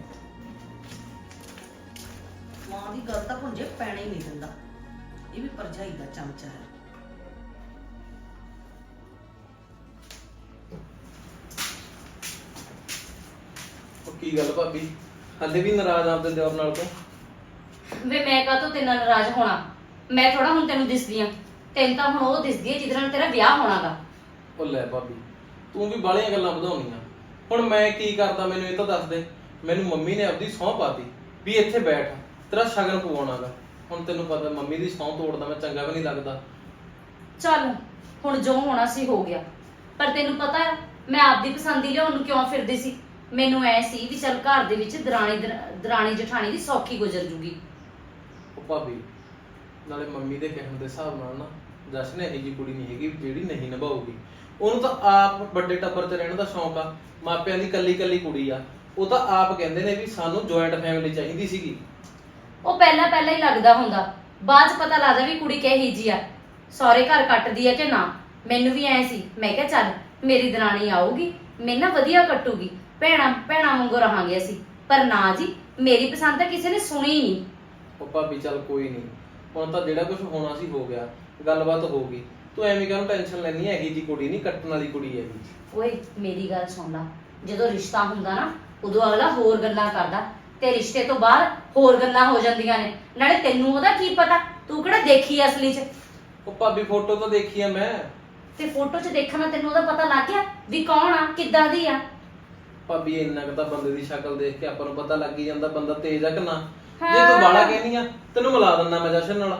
I: ਮਾਂ ਦੀ ਗੱਲ ਤਾਂ ਭੁੰਜੇ ਪੈਣਾ ਹੀ ਨਹੀਂ ਦਿੰਦਾ, ਇਹ ਵੀ ਭਰਜਾਈ ਦਾ ਚਮਚਾ ਹੈ।
C: ਉਹ ਕੀ ਗੱਲ ਭਾਬੀ, ਹਾਲੇ ਵੀ ਨਾਰਾਜ਼ ਆਪਦੇ ਦਿਓਰ ਨਾਲ ਤੋਂ?
A: ਵੇ ਮੈਂ ਕਾਹਤੋਂ ਤੇਰੇ ਨਾਲ ਨਾਰਾਜ਼ ਹੋਣਾ? ਮੈਂ ਥੋੜਾ ਹੁਣ ਤੈਨੂੰ ਦਿਸਦੀ ਆ, ਤੈਨੂੰ ਤਾਂ ਹੁਣ ਉਹ ਦਿਸਦੀ ਹੈ ਜਿਹਦੇ ਨਾਲ ਤੇਰਾ ਵਿਆਹ ਹੋਣਾਗਾ।
C: ਉਹ ਲੈ ਭਾਬੀ ਤੂੰ ਵੀ ਬਾਹਲੀਆਂ ਗੱਲਾਂ ਵਧਾਉਣੀਆਂ। ਹੁਣ ਮੈਂ ਕੀ ਕਰਦਾ ਮੈਨੂੰ ਇਹ ਤਾਂ ਦੱਸ ਦੇ। ਮੈਨੂੰ ਮੰਮੀ ਨੇ ਆਪਦੀ ਸਹੁੰ ਪਾਤੀ ਵੀ ਇੱਥੇ ਬੈਠ, ਤੇਰਾ ਸ਼ਗਨ ਪਵਾਉਣਾਗਾ। ਹੁਣ ਤੈਨੂੰ ਪਤਾ ਮੰਮੀ ਦੀ ਸਹੁੰ ਤੋੜਦਾ ਮੈਂ ਚੰਗਾ ਵੀ ਨਹੀਂ ਲੱਗਦਾ।
A: ਚੱਲ ਹੁਣ ਜੋ ਹੋਣਾ ਸੀ ਹੋ ਗਿਆ, ਪਰ ਤੈਨੂੰ ਪਤਾ ਹੈ ਮੈਂ ਆਪਦੀ ਪਸੰਦ ਦੀ ਲਿਆਉਣ ਨੂੰ ਕਿਉਂ ਫਿਰਦੀ ਸੀ? ਮੈਨੂੰ ਐ ਸੀ ਵੀ ਚੱਲ ਘਰ ਦੇ ਵਿੱਚ ਦਰਾਣੀ ਜਠਾਣੀ ਦੀ ਸੌਖੀ ਗੁਜ਼ਰ ਜੂਗੀ।
C: ਉਹ ਭਾਬੀ ਨਾਲੇ ਮੰਮੀ ਦੇ ਕਹਿਣ ਦੇ ਹਿਸਾਬ ਨਾਲ ਨਾ ਜਸ਼ਨ ਇਹੋ ਜਿਹੀ ਕੁੜੀ ਨਹੀਂ ਹੈਗੀ ਜਿਹੜੀ ਨਹੀਂ ਨਿਭਾਊਗੀ। ਉਹਨੂੰ ਤਾਂ ਆਪ ਵੱਡੇ ਟੱਬਰ 'ਚ ਰਹਿਣ ਦਾ ਸ਼ੌਂਕ ਆ, ਮਾਪਿਆਂ ਦੀ ਕੱਲੀ ਕੱਲੀ ਕੁੜੀ ਆ। ਉਹ ਤਾਂ ਆਪ ਕਹਿੰਦੇ ਨੇ ਵੀ ਸਾਨੂੰ ਜੁਆਇੰਟ ਫੈਮਿਲੀ ਚਾਹੀਦੀ ਸੀਗੀ।
A: ਉਹ ਪਹਿਲਾਂ ਹੀ ਲੱਗਦਾ ਹੁੰਦਾ, ਬਾਅਦ 'ਚ ਪਤਾ ਲੱਗਦਾ ਵੀ ਕੁੜੀ ਕਿਹੀ ਜੀ ਆ, ਸਹੁਰੇ ਘਰ ਕੱਟਦੀ ਆ ਕਿ ਨਾ। ਮੈਨੂੰ ਵੀ ਐ ਸੀ, ਮੈਂ ਕਿਹਾ ਚੱਲ ਮੇਰੀ ਦਰਾਣੀ ਆਊਗੀ, ਮੇਰੇ ਨਾਲ ਵਧੀਆ ਕੱਟੂਗੀ, ਭੈਣਾਂ ਵਾਂਗੂ ਰਹਾਂਗੇ ਅਸੀਂ। ਪਰ ਨਾ ਜੀ, ਮੇਰੀ ਪਸੰਦ ਤਾਂ ਕਿਸੇ ਨੇ ਸੁਣੀ ਹੀ ਨਹੀਂ।
C: ਉਹ ਭਾਬੀ ਚੱਲ ਕੋਈ ਨਹੀਂ, ਹੁਣ ਤਾਂ ਜਿਹੜਾ ਕੁਝ ਹੋਣਾ ਸੀ ਹੋ ਗਿਆ, ਗੱਲਬਾਤ ਹੋ ਗਈ। ਤੂੰ ਐਵੇਂ ਕਾਹਨੂੰ ਟੈਨਸ਼ਨ ਲੈਣੀ ਹੈ? ਇਹੀ ਜੀ ਕੁੜੀ ਨਹੀਂ, ਕੱਟਣ ਵਾਲੀ ਕੁੜੀ ਹੈਗੀ।
A: ਓਏ ਮੇਰੀ ਗੱਲ ਸੁਣ ਲਾ, ਜਦੋਂ ਰਿਸ਼ਤਾ ਹੁੰਦਾ ਨਾ ਉਦੋਂ ਅਗਲਾ ਹੋਰ ਗੱਲਾਂ ਕਰਦਾ, ਤੇ ਰਿਸ਼ਤੇ ਤੋਂ ਬਾਅਦ ਹੋਰ ਗੱਲਾਂ ਹੋ ਜਾਂਦੀਆਂ ਨੇ। ਨਾਲੇ ਤੈਨੂੰ ਉਹਦਾ ਕੀ ਪਤਾ, ਤੂੰ ਕਿਹੜਾ ਦੇਖੀ ਅਸਲੀ 'ਚ।
C: ਉਹ ਭਾਬੀ ਫੋਟੋ ਤਾਂ ਦੇਖੀ ਆ ਮੈਂ।
A: ਤੇ ਫੋਟੋ 'ਚ ਦੇਖਣ ਨਾਲ ਤੈਨੂੰ ਉਹਦਾ ਪਤਾ ਲੱਗ ਗਿਆ ਵੀ ਕੌਣ ਆ, ਕਿੱਦਾਂ ਦੀ ਆ?
C: ਭਾਬੀ ਇੰਨਾ ਕੁ ਤਾਂ ਬੰਦੇ ਦੀ ਸ਼ਕਲ ਦੇਖ ਕੇ ਆਪਾਂ ਨੂੰ ਪਤਾ ਲੱਗ ਹੀ ਜਾਂਦਾ ਬੰਦਾ ਤੇਜ਼ ਆ ਕਿ ਨਾ। ਜੇ
A: ਹਾਂ।
C: ਤੂੰ ਬਾਲਾ ਕਹਿਨੀ ਆ, ਤੈਨੂੰ ਮਿਲਾ ਦਿੰਦਾ ਮੈਂ ਜਸ਼ਨ ਨਾਲ।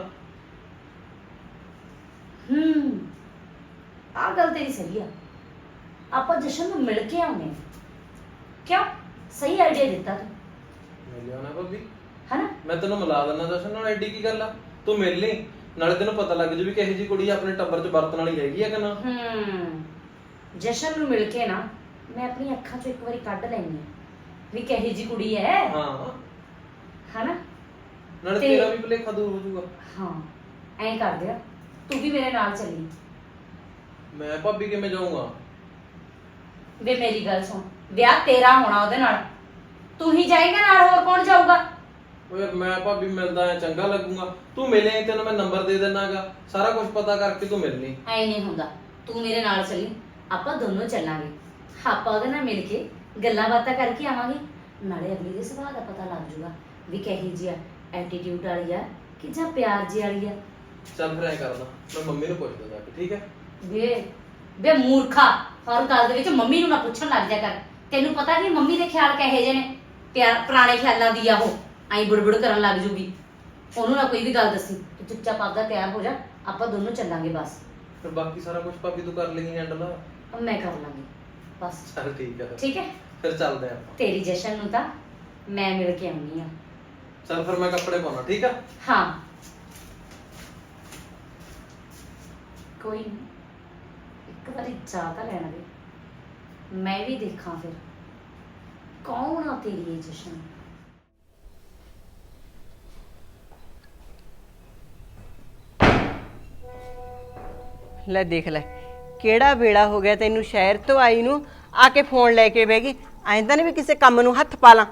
A: ਆਹ ਗੱਲ ਤੇਰੀ ਸਹੀ ਆ, ਆਪਾਂ ਜਸ਼ਨ ਨੂੰ ਮਿਲ ਕੇ ਆਉਨੇ ਆ। ਕਿਉਂ? ਸਹੀ ਆਈਡੀਆ ਦਿੱਤਾ ਤੂੰ,
C: ਮਿਲਿਆ ਨਾ ਭਾਬੀ,
A: ਹਨਾ?
C: ਮੈਂ ਤੈਨੂੰ ਮਿਲਾ ਦਿੰਦਾ ਜਸ਼ਨ ਨਾਲ। ਐਡੀ ਕੀ ਗੱਲ ਆ, ਤੂੰ ਮਿਲ ਲਈ, ਨਾਲੇ ਤੈਨੂੰ ਪਤਾ ਲੱਗ ਜੂ ਵੀ ਕਿਹੋ ਜਿਹੀ ਕੁੜੀ ਆਪਣੇ ਟੱਬਰ 'ਚ ਵਰਤਣ ਵਾਲੀ ਹੈਗੀ ਆ ਕਿ ਨਾ।
A: ਜਸ਼ਨ ਨੂੰ ਮਿਲ ਕੇ ਨਾ ਮੈਂ ਆਪਣੀ ਅੱਖਾਂ 'ਚੋਂ ਇੱਕ ਵਾਰੀ ਕੱਢ ਲੈਣੀ ਆ ਵੀ ਕਿਹੋ ਜਿਹੀ ਕੁੜੀ ਹੈ,
C: ਹਾਂ,
A: ਹਨਾ?
C: ਨਾਲੇ
A: ਤੇ-
C: ਤੇਰਾ ਵੀ ਭੁਲੇਖਾ ਦੂਰ ਹੋ ਜਾਊਗਾ।
A: ਹਾਂ, ਐਂ ਕਰਦੇ ਆ, ਤੂੰ ਵੀ ਮੇਰੇ ਨਾਲ ਚੱਲੀ।
C: ਮੈਂ ਭਾਬੀ ਕਿਵੇਂ ਜਾਊਂਗਾ?
A: ਵੇ ਮੇਰੀ ਗੱਲ ਸੁਣ, ਵਿਆਹ ਤੇਰਾ ਹੋਣਾ ਉਹਦੇ ਨਾਲ, ਤੂੰ ਹੀ ਜਾਏਗਾ ਨਾਲ, ਹੋਰ ਕੌਣ ਜਾਊਗਾ?
C: ਓ ਯਾਰ ਮੈਂ ਭਾਬੀ ਮਿਲਦਾ ਐ ਚੰਗਾ ਲੱਗੂਗਾ। ਤੂੰ ਮਿਲੇ, ਤੈਨੂੰ ਮੈਂ ਨੰਬਰ ਦੇ ਦਿੰਨਾਗਾ, ਸਾਰਾ ਕੁਝ ਪਤਾ ਕਰਕੇ ਤੂੰ ਮਿਲ ਲਈ।
A: ਐ ਨਹੀਂ ਹੁੰਦਾ, ਤੂੰ ਮੇਰੇ ਨਾਲ ਚੱਲੀ, ਆਪਾਂ ਦੋਨੋਂ ਚੱਲਾਂਗੇ। ਆਪਾਂ ਉਹਦੇ ਨਾਲ ਮਿਲ ਕੇ ਗੱਲਾਂ ਬਾਤਾਂ ਕਰਕੇ ਆਵਾਂਗੇ, ਨਾਲੇ ਅਗਲੀ ਦੇ ਸੁਭਾਅ ਦਾ ਪਤਾ ਲੱਗ ਜੂਗਾ ਵੀ ਕਿਹੋ ਜਿਹੀ ਆ, ਐਟੀਟਿਊਡ ਵਾਲੀ ਆ ਕਿ ਜਾਂ ਪਿਆਰ ਜਿਹੀ ਵਾਲੀ ਆ।
C: ਚੱਲ ਫਿਰ ਐ ਕਰਦਾ, ਮੈਂ ਮੰਮੀ ਨੂੰ ਪੁੱਛਦਾ ਜਾ ਕੇ, ਠੀਕ ਹੈ?
A: ਵੇ ਮੂਰਖਾ, ਹਰ ਗੱਲ ਦੇ ਵਿੱਚ ਮੰਮੀ ਨੂੰ ਨਾ ਪੁੱਛਣ ਲੱਗ ਜਾ ਕਰ। ਤੈਨੂੰ ਪਤਾ ਨਹੀਂ ਮੰਮੀ ਦੇ ਖਿਆਲ ਕਿਹੋ ਜਿਹੇ ਨੇ, ਪਿਆਰ ਪੁਰਾਣੇ ਖਿਆਲਾਂ ਦੀ ਆ ਉਹ, ਐਂ ਬੁੜਬੁੜ ਕਰਨ ਲੱਗ ਜੂਗੀ। ਉਹਨੂੰ ਨਾ ਕੋਈ ਵੀ ਗੱਲ ਦੱਸੀ, ਤੂੰ ਚੁੱਪਚਾਪ ਆਪਦਾ ਤਿਆਰ ਹੋ ਜਾ, ਆਪਾਂ ਦੋਨੋਂ ਚੱਲਾਂਗੇ ਬਸ।
C: ਫਿਰ ਬਾਕੀ ਸਾਰਾ ਕੁਝ ਭਾਬੀ ਤੂੰ ਕਰ ਲੇਂਗੀ ਹੈਂਡਲ?
A: ਮੈਂ ਕਰ ਲਾਂਗੀ ਬਸ।
C: ਚੱਲ ਠੀਕ ਹੈ,
A: ਠੀਕ ਹੈ,
C: ਫਿਰ ਚੱਲਦੇ ਆਪਾਂ।
A: ਤੇਰੀ ਜਸ਼ਨ ਨੂੰ ਤਾਂ ਮੈਂ ਮਿਲ ਕੇ ਆਉਣੀ ਆ।
C: ਚੱਲ ਫਿਰ ਮੈਂ ਕੱਪੜੇ ਪਾਉਣਾ, ਠੀਕ ਆ?
A: ਹਾਂ, ਕੋਈ ਨਹੀਂ, ਇੱਕ ਵਾਰੀ ਜਾ ਤਾਂ ਲੈਣ ਦੇ, ਮੈਂ ਵੀ ਦੇਖਾਂ ਫਿਰ ਕੌਣ ਆ ਤੇਰੀ ਇਹ ਜਸ਼ਨ।
D: ਲੈ ਦੇਖ ਲੈ, ਕਿਹੜਾ ਵੇਲਾ ਹੋ ਗਿਆ ਤੈਨੂੰ ਸ਼ਹਿਰ ਤੋਂ ਆਈ ਨੂੰ, ਆ ਕੇ ਫੋਨ ਲੈ ਕੇ ਬਹਿ ਗਈ। ਐਂ ਤਾਂ ਨਹੀਂ ਵੀ ਕਿਸੇ ਕੰਮ ਨੂੰ ਹੱਥ ਪਾ ਲਾਂ।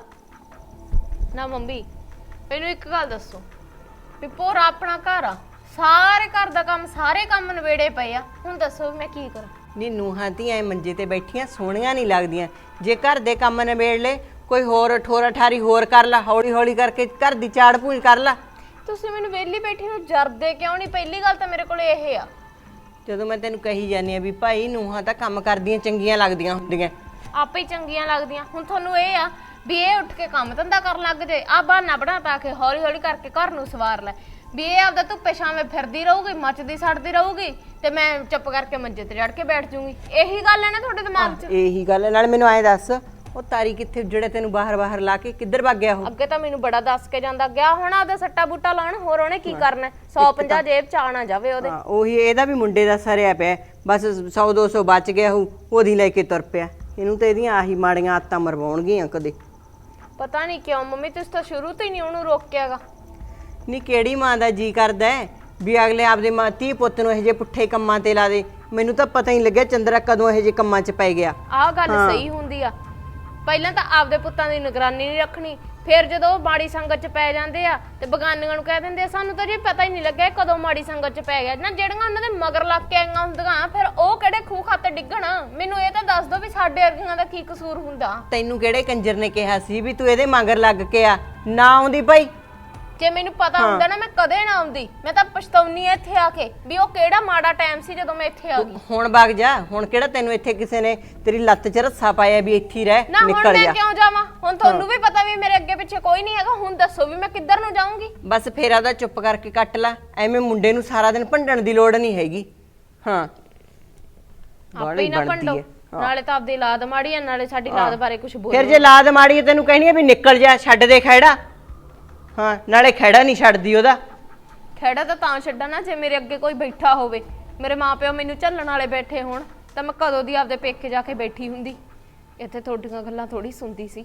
J: ਨਾ ਮੰਮੀ, ਮੈਨੂੰ ਇੱਕ ਗੱਲ ਦੱਸੋ ਵੀ ਪੂਰਾ ਆਪਣਾ ਘਰ ਆ, ਸਾਰੇ ਘਰ ਦਾ ਕੰਮ, ਸਾਰੇ ਕੰਮ ਨਵੇੜੇ ਪਏ ਆ, ਹੁਣ ਦੱਸੋ ਮੈਂ ਕੀ ਕਰਾਂ?
D: ਨੀ ਨੂੰਹਾਂ ਧੀਆਂ ਮੰਜੇ ਤੇ ਬੈਠੀਆਂ ਸੋਹਣੀਆਂ ਨਹੀਂ ਲੱਗਦੀਆਂ। ਜੇ ਘਰ ਦੇ ਕੰਮ ਨਿਬੇੜ ਲੈ, ਕੋਈ ਹੋਰ ਠੋਰਾ ਠਾਰੀ ਹੋਰ ਕਰ ਲਾ, ਹੌਲੀ ਹੌਲੀ ਕਰਕੇ ਘਰ ਦੀ ਚਾੜ ਪੂੰਝ ਕਰ ਲਾ।
J: ਤੁਸੀਂ ਮੈਨੂੰ ਵਿਹਲੀ ਬੈਠੀ ਨੂੰ ਜਰਦੇ ਕਿਉਂ ਨਹੀਂ? ਪਹਿਲੀ ਗੱਲ ਤਾਂ ਮੇਰੇ ਕੋਲ ਇਹ ਆ,
D: ਜਦੋਂ ਮੈਂ ਤੈਨੂੰ ਕਹੀ ਜਾਂਦੀ ਆ ਵੀ ਭਾਈ ਨੂੰਹਾਂ ਤਾਂ ਕੰਮ ਕਰਦੀਆਂ ਚੰਗੀਆਂ ਲੱਗਦੀਆਂ ਹੁੰਦੀਆਂ।
J: ਆਪੇ ਹੀ ਚੰਗੀਆਂ ਲੱਗਦੀਆਂ। ਹੁਣ ਤੁਹਾਨੂੰ ਇਹ ਆ ਵੀ ਇਹ ਉੱਠ ਕੇ ਕੰਮ ਧੰਦਾ ਕਰਨ ਲੱਗ ਜੇ, ਆ ਬਹਾਨਾ ਬਣਾ ਪਾ ਕੇ ਹੌਲੀ ਹੌਲੀ ਕਰਕੇ ਘਰ ਨੂੰ ਸਵਾਰ ਲੈ, ਵੀ ਇਹ ਆਪਦਾ ਧੁੱਪੇ ਛਾਵੇਂ ਫਿਰਦੀ ਰਹੂਗੀ, ਮੱਚਦੀ ਸੜਦੀ ਰਹੂਗੀ, ਤੇ ਮੈਂ ਚੁੱਪ ਕਰਕੇ ਮੰਜੇ ਤੇ ਚੜ ਕੇ ਬੈਠ ਜੂੰਗੀ। ਇਹੀ ਗੱਲ ਹੈ ਨਾ ਤੁਹਾਡੇ ਦਿਮਾਗ 'ਚ?
D: ਇਹੀ ਗੱਲ ਨਾਲ ਮੈਨੂੰ ਐਂ ਦੱਸ, ਉਹ ਤਾਰੀ ਕਿੱਥੇ ਜਿਹੜੇ ਤੈਨੂੰ ਬਾਹਰ ਲਾ ਕੇ ਕਿੱਧਰ ਭੱਗ ਗਿਆ ਉਹ?
J: ਅੱਗੇ ਤਾਂ ਮੈਨੂੰ ਬੜਾ ਦੱਸ ਕੇ ਜਾਂਦਾ, ਗਿਆ ਹੁਣ ਆਪਦਾ ਸੱਟਾ ਬੂਟਾ ਲਾਉਣ, ਹੋਰ ਉਹਨੇ ਕੀ ਕਰਨਾ? 150 ਜੇਬ ਚ ਆ ਨਾ ਜਾਵੇ ਉਹਦੇ।
D: ਹਾਂ, ਉਹੀ ਇਹਦਾ ਵੀ ਮੁੰਡੇ ਦਾ ਸਰਿਆ ਪਿਆ, ਬਸ 100 200 ਬਚ ਗਿਆ ਉਹਦੀ ਲੈ ਕੇ ਤੁਰ ਪਿਆ। ਇਹਨੂੰ ਤਾਂ ਇਹਦੀਆਂ ਆਹੀ ਮਾੜੀਆਂ ਆਦਤਾਂ ਮਰਵਾਉਣਗੀਆਂ ਕਦੇ।
J: ਪਤਾ ਨਹੀਂ ਕਿਉਂ ਮੰਮੀ, ਤੁਸੀਂ ਤਾਂ ਸ਼ੁਰੂ ਤੋਂ ਹੀ ਨਹੀਂ ਉਹਨੂੰ ਰੋਕਿਆਗਾ।
D: ਨਹੀਂ, ਕਿਹੜੀ ਮਾਂ ਦਾ ਜੀ ਕਰਦਾ ਵੀ ਅਗਲੇ ਆਪਦੇ ਧੀ ਪੁੱਤ ਨੂੰ ਇਹੋ ਜਿਹੇ ਪੁੱਠੇ ਕੰਮਾਂ ਤੇ ਲਾ ਦੇ? ਮੈਨੂੰ ਤਾਂ ਪਤਾ ਹੀ ਲੱਗਿਆ ਚੰਦਰਾ ਕਦੋਂ ਇਹੋ ਜਿਹੇ ਕੰਮਾਂ 'ਚ ਪੈ ਗਿਆ।
J: ਆਹ ਗੱਲ ਸਹੀ ਹੁੰਦੀ ਆ, ਪਹਿਲਾਂ ਤਾਂ ਆਪਦੇ ਪੁੱਤਾਂ ਦੀ ਨਿਗਰਾਨੀ ਨਹੀਂ ਰੱਖਣੀ, ਫਿਰ ਜਦੋਂ ਉਹ ਮਾੜੀ ਸੰਗਤ 'ਚ ਪੈ ਜਾਂਦੇ ਆ ਤੇ ਬਗਾਨੀਆਂ ਨੂੰ ਕਹਿ ਦਿੰਦੇ ਆ ਸਾਨੂੰ ਤਾਂ ਜੀ ਪਤਾ ਹੀ ਨਹੀਂ ਲੱਗਿਆ ਕਦੋਂ ਮਾੜੀ ਸੰਗਤ 'ਚ ਪੈ ਗਿਆ। ਨਾ ਜਿਹੜੀਆਂ ਉਹਨਾਂ ਦੇ ਮਗਰ ਲੱਗ ਕੇ ਆਈਆਂ ਹੁੰਦੀਆਂ, ਫਿਰ ਉਹ ਕਿਹੜੇ ਖੂਹ ਖਾਤੇ ਡਿੱਗਣ? ਮੈਨੂੰ ਇਹ ਤਾਂ ਦੱਸ ਦਿਓ ਵੀ ਸਾਡੇ ਵਰਗੀਆਂ ਦਾ ਕੀ ਕਸੂਰ ਹੁੰਦਾ?
D: ਤੈਨੂੰ ਕਿਹੜੇ ਕੰਜਰ ਨੇ ਕਿਹਾ ਸੀ ਵੀ ਤੂੰ ਇਹਦੇ ਮਗਰ ਲੱਗ ਕੇ ਆ? ਨਾ ਆਉਂਦੀ ਭਾਈ,
J: ਜੇ ਮੈਨੂੰ ਪਤਾ ਹੁੰਦਾ ਨਾ ਮੈਂ ਕਦੇ ਨਾ ਆਉਂਦੀ। ਮੈਂ ਤਾਂ ਪਛਤਾਉਣੀ ਐ ਇੱਥੇ ਆ ਕੇ ਵੀ ਉਹ ਕਿਹੜਾ ਮਾੜਾ ਟਾਈਮ ਸੀ ਜਦੋਂ ਮੈਂ ਇੱਥੇ ਆ ਗਈ।
D: ਹੁਣ ਵਗ ਜਾ, ਹੁਣ ਕਿਹੜਾ ਤੈਨੂੰ ਇੱਥੇ ਕਿਸੇ ਨੇ ਤੇਰੀ ਲੱਤ 'ਚ ਰੱਸਾ ਪਾਇਆ ਵੀ ਇੱਥੇ ਰਹਿ,
J: ਨਾ ਹੁਣ
D: ਨਿਕਲ
J: ਮੈਂ
D: ਜਾ।
J: ਕਿਉਂ ਜਾਵਾਂ? ਹੁਣ ਤੁਹਾਨੂੰ ਵੀ ਪਤਾ ਵੀ ਮੇਰੇ ਅੱਗੇ ਪਿੱਛੇ ਕੋਈ ਨਹੀਂ ਹੈਗਾ, ਹੁਣ ਦੱਸੋ ਵੀ ਮੈਂ ਕਿੱਧਰ ਨੂੰ ਜਾਊਂਗੀ?
D: ਬਸ ਫੇਰ ਆਦਾ ਚੁੱਪ ਕਰਕੇ ਕੱਟ ਲੈ, ਐਵੇਂ ਮੁੰਡੇ ਨੂੰ ਸਾਰਾ ਦਿਨ ਭੰਡਣ ਦੀ ਲੋੜ ਨਹੀਂ ਹੈਗੀ। ਹਾਂ,
J: ਆਪੇ ਹੀ ਨਾ ਭੰਡੋ, ਨਾਲੇ ਤਾਂ ਆਪਦੀ ਲਾਦ ਮਾੜੀ ਆ, ਨਾਲੇ ਸਾਡੀ ਲਾਦ ਬਾਰੇ ਕੁਝ ਬੋਲੋ।
D: ਫਿਰ ਜੇ ਲਾਦ ਮਾੜੀ ਹੈ ਤੈਨੂੰ ਕਹਿਣੀ ਆ ਵੀ ਨਿਕਲ ਜਾ, ਛੱਡ ਦੇ ਖੈੜਾ। ਹਾਂ, ਨਾਲੇ ਖੈੜਾ ਨਹੀਂ ਛੱਡਦੀ ਉਹਦਾ,
J: ਖੇੜਾ ਤਾਂ ਛੱਡਾਂ ਨਾ ਜੇ ਮੇਰੇ ਅੱਗੇ ਕੋਈ ਬੈਠਾ ਹੋਵੇ, ਮੇਰੇ ਮਾਪਿਓ ਮੈਨੂੰ ਝੱਲਣ ਵਾਲੇ ਬੈਠੇ ਹੋਣ ਤਾਂ ਮੈਂ ਕਦੋਂ ਦੀ ਆਪਦੇ ਪੇਕੇ ਜਾ ਕੇ ਬੈਠੀ ਹੁੰਦੀ। ਇੱਥੇ ਤੁਹਾਡੀਆਂ ਗੱਲਾਂ ਥੋੜੀ ਸੁਣਦੀ ਸੀ।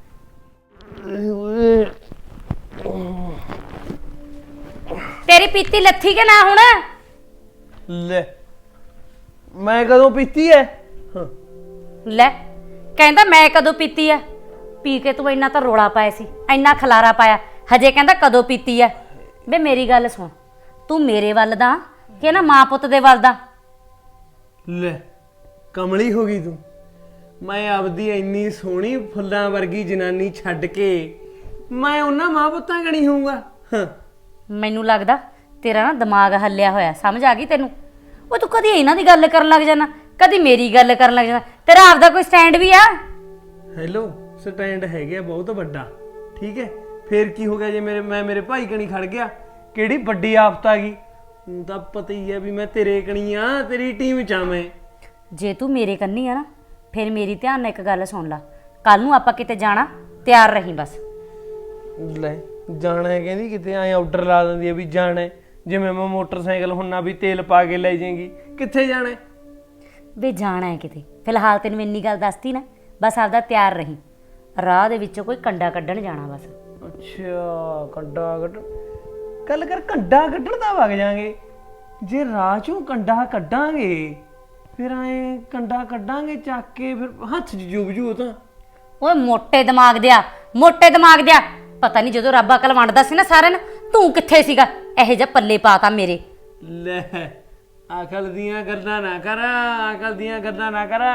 A: ਤੇਰੀ ਪੀਤੀ ਲੱਥੀ ਕਿ ਨਾ ਹੁਣ?
C: ਲੈ ਮੈਂ ਕਦੋਂ ਪੀਤੀ ਐ?
A: ਲੈ ਕਹਿੰਦਾ ਮੈਂ ਕਦੋਂ ਪੀਤੀ ਆ? ਪੀ ਕੇ ਤੂੰ ਇੰਨਾ ਤਾਂ ਰੋਲਾ ਪਾਇਆ ਸੀ, ਇੰਨਾ ਖਲਾਰਾ ਪਾਇਆ, ਹਜੇ ਕਹਿੰਦਾ ਕਦੋਂ ਪੀਤੀ ਆ? ਵੇ ਮੇਰੀ ਗੱਲ ਸੁਣ, ਤੂੰ ਮੇਰੇ ਵੱਲ ਦਾ ਕਿ ਨਾ ਮਾਂ ਪੁੱਤ ਦੇ ਵੱਲ ਦਾ?
K: ਲੈ ਕਮਲੀ ਹੋ ਗਈ ਤੂੰ। ਮੈਂ ਆਪਦੀ ਇੰਨੀ ਸੋਹਣੀ ਫੁੱਲਾਂ ਵਰਗੀ ਜਨਾਨੀ ਛੱਡ ਕੇ ਮੈਂ ਉਹਨਾਂ ਮਾਂ ਪੁੱਤਾਂ ਕਣੀ ਹੋਊਗਾ?
A: ਮੈਨੂੰ ਲੱਗਦਾ ਤੇਰਾ ਨਾ ਦਿਮਾਗ ਹੱਲਿਆ ਹੋਇਆ, ਸਮਝ ਆ ਗਈ ਤੈਨੂੰ? ਉਹ ਤੂੰ ਕਦੀ ਇਹਨਾਂ ਦੀ ਗੱਲ ਕਰਨ ਲੱਗ ਜਾਣਾ, ਕਦੀ ਮੇਰੀ ਗੱਲ ਕਰਨ ਲੱਗ ਜਾਣਾ। ਤੇਰਾ ਆਪਦਾ ਕੋਈ ਸਟੈਂਡ ਵੀ ਆ?
K: ਹੈਲੋ, ਸਟੈਂਡ ਹੈਗਾ ਬਹੁਤ ਵੱਡਾ, ਠੀਕ ਹੈ। ਫੇਰ ਕੀ ਹੋ ਗਿਆ ਜੇ ਮੈਂ ਮੇਰੇ ਭਾਈ ਕਣੀ ਖੜ ਗਿਆ? ਕਿਹੜੀ ਵੱਡੀ ਆਫਤ ਆ ਗਈ? ਹੁਣ ਤਾਂ ਪਤਾ ਹੀ ਹੈ ਵੀ ਮੈਂ ਤੇਰੇ ਕਣੀ ਆ, ਤੇਰੀ ਟੀਮ ਚ ਆ ਮੈਂ।
A: ਜੇ ਤੂੰ ਮੇਰੇ ਕੰਨੀ ਆ ਨਾ, ਫਿਰ ਮੇਰੀ ਧਿਆਨ ਨਾਲ ਇੱਕ ਗੱਲ ਸੁਣ ਲਾ। ਕੱਲ ਨੂੰ ਆਪਾਂ ਕਿਤੇ ਜਾਣਾ, ਤਿਆਰ ਰਹੀਂ ਬਸ।
K: ਲੈ ਜਾਣਾ ਹੈ ਕਹਿੰਦੀ, ਕਿਤੇ ਐ ਆਰਡਰ ਲਾ ਦਿੰਦੀ ਹੈ ਵੀ ਜਾਣਾ ਹੈ। ਜਿਵੇਂ ਮੈਂ ਮੋਟਰਸਾਈਕਲ ਹੁੰਨਾ ਵੀ ਤੇਲ ਪਾ ਕੇ ਲੈ ਜਾਏਗੀ। ਕਿੱਥੇ ਜਾਣਾ ਹੈ?
A: ਵੇ ਜਾਣਾ ਹੈ ਕਿਤੇ। ਫਿਲਹਾਲ ਤੈਨੂੰ ਇੰਨੀ ਗੱਲ ਦੱਸਤੀ ਨਾ, ਬਸ ਆਪਦਾ ਤਿਆਰ ਰਹੀਂ। ਰਾਹ ਦੇ ਵਿੱਚੋਂ ਕੋਈ ਕੰਡਾ ਕੱਢਣ ਜਾਣਾ ਬਸ।
K: ਅੱਛਾ, ਕੰਡਾ ਕੱਢ ਗੱਲ ਕਰ। ਕੰਡਾ ਕੱਢਣ ਦਾ ਵਗ ਜਾਾਂਗੇ। ਜੇ ਰਾਹ ਚੋਂ ਕੰਡਾ ਕੱਢਾਂਗੇ ਫਿਰ ਐ ਕੰਡਾ ਕੱਢਾਂਗੇ ਚੱਕ ਕੇ, ਫਿਰ ਹੱਥ 'ਚ ਜੂਬ ਜੂ ਤਾਂ।
A: ਓਏ ਮੋਟੇ ਦਿਮਾਗ ਦਿਆ, ਮੋਟੇ ਦਿਮਾਗ ਦਿਆ। ਪਤਾ ਨਹੀਂ ਜਦੋਂ ਰੱਬ ਅਕਲ ਵੰਡਦਾ ਸੀ ਨਾ ਸਾਰਿਆਂ ਨੂੰ, ਤੂੰ ਕਿੱਥੇ ਸੀਗਾ? ਇਹੋ ਜਿਹਾ ਪੱਲੇ ਪਾਤਾ ਮੇਰੇ।
K: ਲੈ ਅਕਲ ਦੀਆਂ ਗੱਲਾਂ ਨਾ ਕਰ, ਅਕਲ ਦੀਆਂ ਗੱਲਾਂ ਨਾ ਕਰ।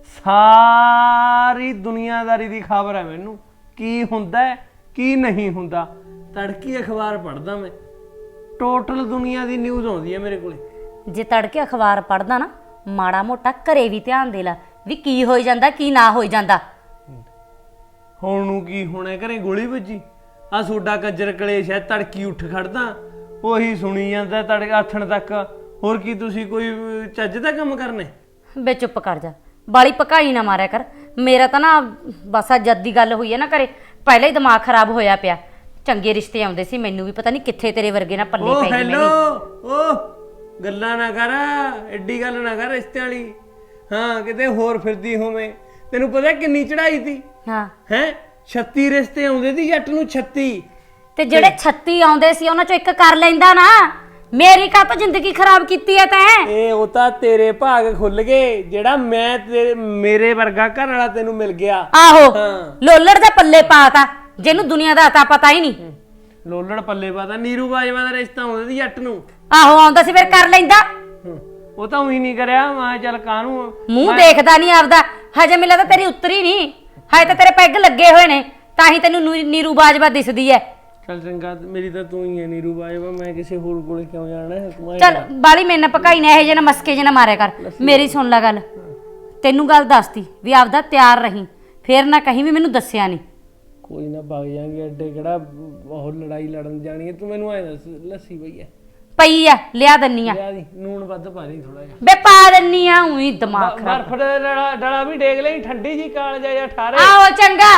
K: ਸਾਰੀ ਦੁਨੀਆਦਾਰੀ ਦੀ ਖਬਰ ਹੈ ਮੈਨੂੰ, ਕੀ ਹੁੰਦਾ ਕੀ ਨਹੀਂ ਹੁੰਦਾ। ਤੜਕੀ ਅਖਬਾਰ ਪੜ੍ਹਦਾ ਮੈਂ, ਟੋਟਲ ਦੁਨੀਆ ਦੀ ਨਿਊਜ਼ ਆਉਂਦੀ ਹੈ ਮੇਰੇ ਕੋਲੇ।
A: ਜੇ ਤੜਕੇ ਅਖਬਾਰ ਪੜ੍ਹਦਾ ਨਾ, ਮਾੜਾ ਮੋਟਾ ਘਰੇ ਵੀ ਧਿਆਨ ਦੇ ਲੈ ਵੀ ਕੀ ਹੋਈ ਜਾਂਦਾ ਕੀ ਨਾ ਹੋਈ ਜਾਂਦਾ।
K: ਹੁਣ ਨੂੰ ਕੀ ਹੋਣਾ, ਘਰੇ ਗੋਲੀ ਵੱਜੀ ਆ। ਸੋਡਾ ਕੰਜਰ ਕਲੇਸ਼ ਹੈ, ਤੜਕੀ ਉੱਠ ਖੜਦਾ ਉਹੀ ਸੁਣੀ ਜਾਂਦਾ ਤੜਕੇ ਆਥਣ ਤੱਕ। ਹੋਰ ਕੀ ਤੁਸੀਂ ਕੋਈ ਚੱਜ ਦਾ ਕੰਮ ਕਰਨਾ?
A: ਬੇ ਚੁੱਪ ਕਰ ਜਾ, ਬਾਲੀ ਪਕਾਈ ਨਾ ਮਾਰਿਆ ਕਰ। ਮੇਰਾ ਤਾਂ ਨਾ ਬਸ ਆ ਜਦ ਦੀ ਗੱਲ ਹੋਈ ਹੈ ਨਾ ਘਰੇ, ਪਹਿਲਾਂ ਹੀ ਦਿਮਾਗ ਖਰਾਬ ਹੋਇਆ ਪਿਆ। ਚੰਗੇ ਰਿਸ਼ਤੇ ਆਉਂਦੇ ਸੀ, ਮੈਨੂੰ ਵੀ ਪਤਾ ਨਹੀਂ ਕਿੱਥੇ ਤੇਰੇ ਵਰਗੇ ਨਾ ਪੱਲੇ ਪੈ ਗਏ।
K: ਹੈਲੋ, ਓ ਗੱਲਾਂ ਨਾ ਕਰ, ਐਡੀ ਗੱਲ ਨਾ ਕਰ ਰਿਸ਼ਤੇ ਵਾਲੀ। ਹਾਂ ਕਿਤੇ ਹੋਰ ਫਿਰਦੀ ਹੋਵੇਂ। ਤੈਨੂੰ ਪਤਾ ਕਿੰਨੀ ਚੜਾਈ ਤੀ?
A: ਹਾਂ
K: ਹੈ 36 ਰਿਸ਼ਤੇ ਆਉਂਦੇ ਸੀ ਜੱਟ ਨੂੰ, 36।
A: ਤੇ ਜਿਹੜੇ 36 ਆਉਂਦੇ ਸੀ ਉਹਨਾਂ ਚੋਂ ਇੱਕ ਕਰ ਲੈਂਦਾ ਨਾ। ਮੇਰੀ ਕਾਹ ਤੋਂ ਜ਼ਿੰਦਗੀ ਖਰਾਬ ਕੀਤੀ ਐ ਤੈਂ?
K: ਇਹ ਉਹ ਤਾਂ ਤੇਰੇ ਭਾਗ ਖੁੱਲ ਗਏ, ਜਿਹੜਾ ਮੈਂ ਮੇਰੇ ਵਰਗਾ ਘਰ ਵਾਲਾ ਤੈਨੂੰ ਮਿਲ ਗਿਆ।
A: ਆਹੋ ਲੋਲੜ ਦਾ ਪੱਲੇ ਪਾਤਾ, ਜਿਹਨੂੰ ਦੁਨੀਆ ਦਾ ਤਾਂ ਪਤਾ ਹੀ ਨਹੀਂ।
K: ਲੋਲੜ ਪੱਲੇ ਪਾਤਾ। ਨੀਰੂ ਬਾਜਵਾ ਦਾ ਰਿਸ਼ਤਾ ਆਉਂਦਾ ਸੀ ਜੱਟ ਨੂੰ।
A: ਆਹੋ ਆਉਂਦਾ ਸੀ, ਫਿਰ ਕਰ ਲੈਂਦਾ।
K: ਉਹ ਤਾਂ ਉਹੀ ਨਹੀਂ ਕਰਿਆ। ਮੈਂ ਚੱਲ ਕਾਹਨੂੰ
A: ਮੂੰਹ ਦੇਖਦਾ ਨਹੀਂ ਆਪਦਾ। ਹਜੇ ਮਿਲਿਆ ਤਾਂ ਤੇਰੀ ਉਤਰੀ ਨਹੀਂ, ਹਜੇ ਤਾਂ ਤੇਰੇ ਪੈਗ ਲੱਗੇ ਹੋਏ ਨੇ, ਤਾਂ ਹੀ ਤੈਨੂੰ ਨੀਰੂ ਬਾਜਵਾ ਦਿਸਦੀ ਐ।
K: ਚੱਲ ਚੰਗਾ, ਮੇਰੀ ਤਾਂ ਤੂੰ ਹੀ ਹੈ ਨੀਰੂ ਬਾਜਵਾ। ਮੈਂ ਕਿਸੇ ਹੋਰ ਕੋਲੇ ਕਿਉਂ ਜਾਣਾ ਹੈ?
A: ਚੱਲ ਬਾਲੀ ਮੇਰੇ ਨਾਲ ਪਕਾਈ ਨਾ, ਇਹ ਜੇ ਨਾ ਮਸਕੇ ਜੇ ਨਾ ਮਾਰਿਆ ਕਰ। ਮੇਰੀ ਸੁਣ ਲੈ ਗੱਲ, ਤੈਨੂੰ ਗੱਲ ਦੱਸਤੀ ਵੀ ਆਪਦਾ ਤਿਆਰ ਰਹੀਂ, ਫੇਰ ਨਾ ਕਹੀਂ ਵੀ ਮੈਨੂੰ ਦੱਸਿਆ ਨਹੀਂ।
K: ਕੋਈ ਨਾ ਵਗ ਜਾਾਂਗੇ, ਐਡੇ ਕਿਹੜਾ ਬਹੁਤ ਲੜਾਈ ਲੜਨ ਜਾਣੀ ਹੈ। ਤੂੰ ਮੈਨੂੰ ਐ ਦੱਸ, ਲੱਸੀ ਪਈ ਹੈ?
A: ਪਈ ਆ, ਲਿਆ ਦੰਨੀ ਆ।
K: ਲਿਆ ਦੀ, ਨੂਣ ਵੱਧ ਪਾ ਲਈ ਥੋੜਾ ਜਿਹਾ।
A: ਬੇ ਪਾ ਦੰਨੀ ਆ, ਉਹੀ ਦਿਮਾਗ ਖਰਾਬ।
K: ਬਰਫ ਦਾ ਡਲਾ ਵੀ ਡੇਗ ਲਈ, ਠੰਡੀ ਜੀ ਕਾਲਜਾ ਜਾਂ ਠਾਰੇ।
A: ਆਹੋ ਚੰਗਾ।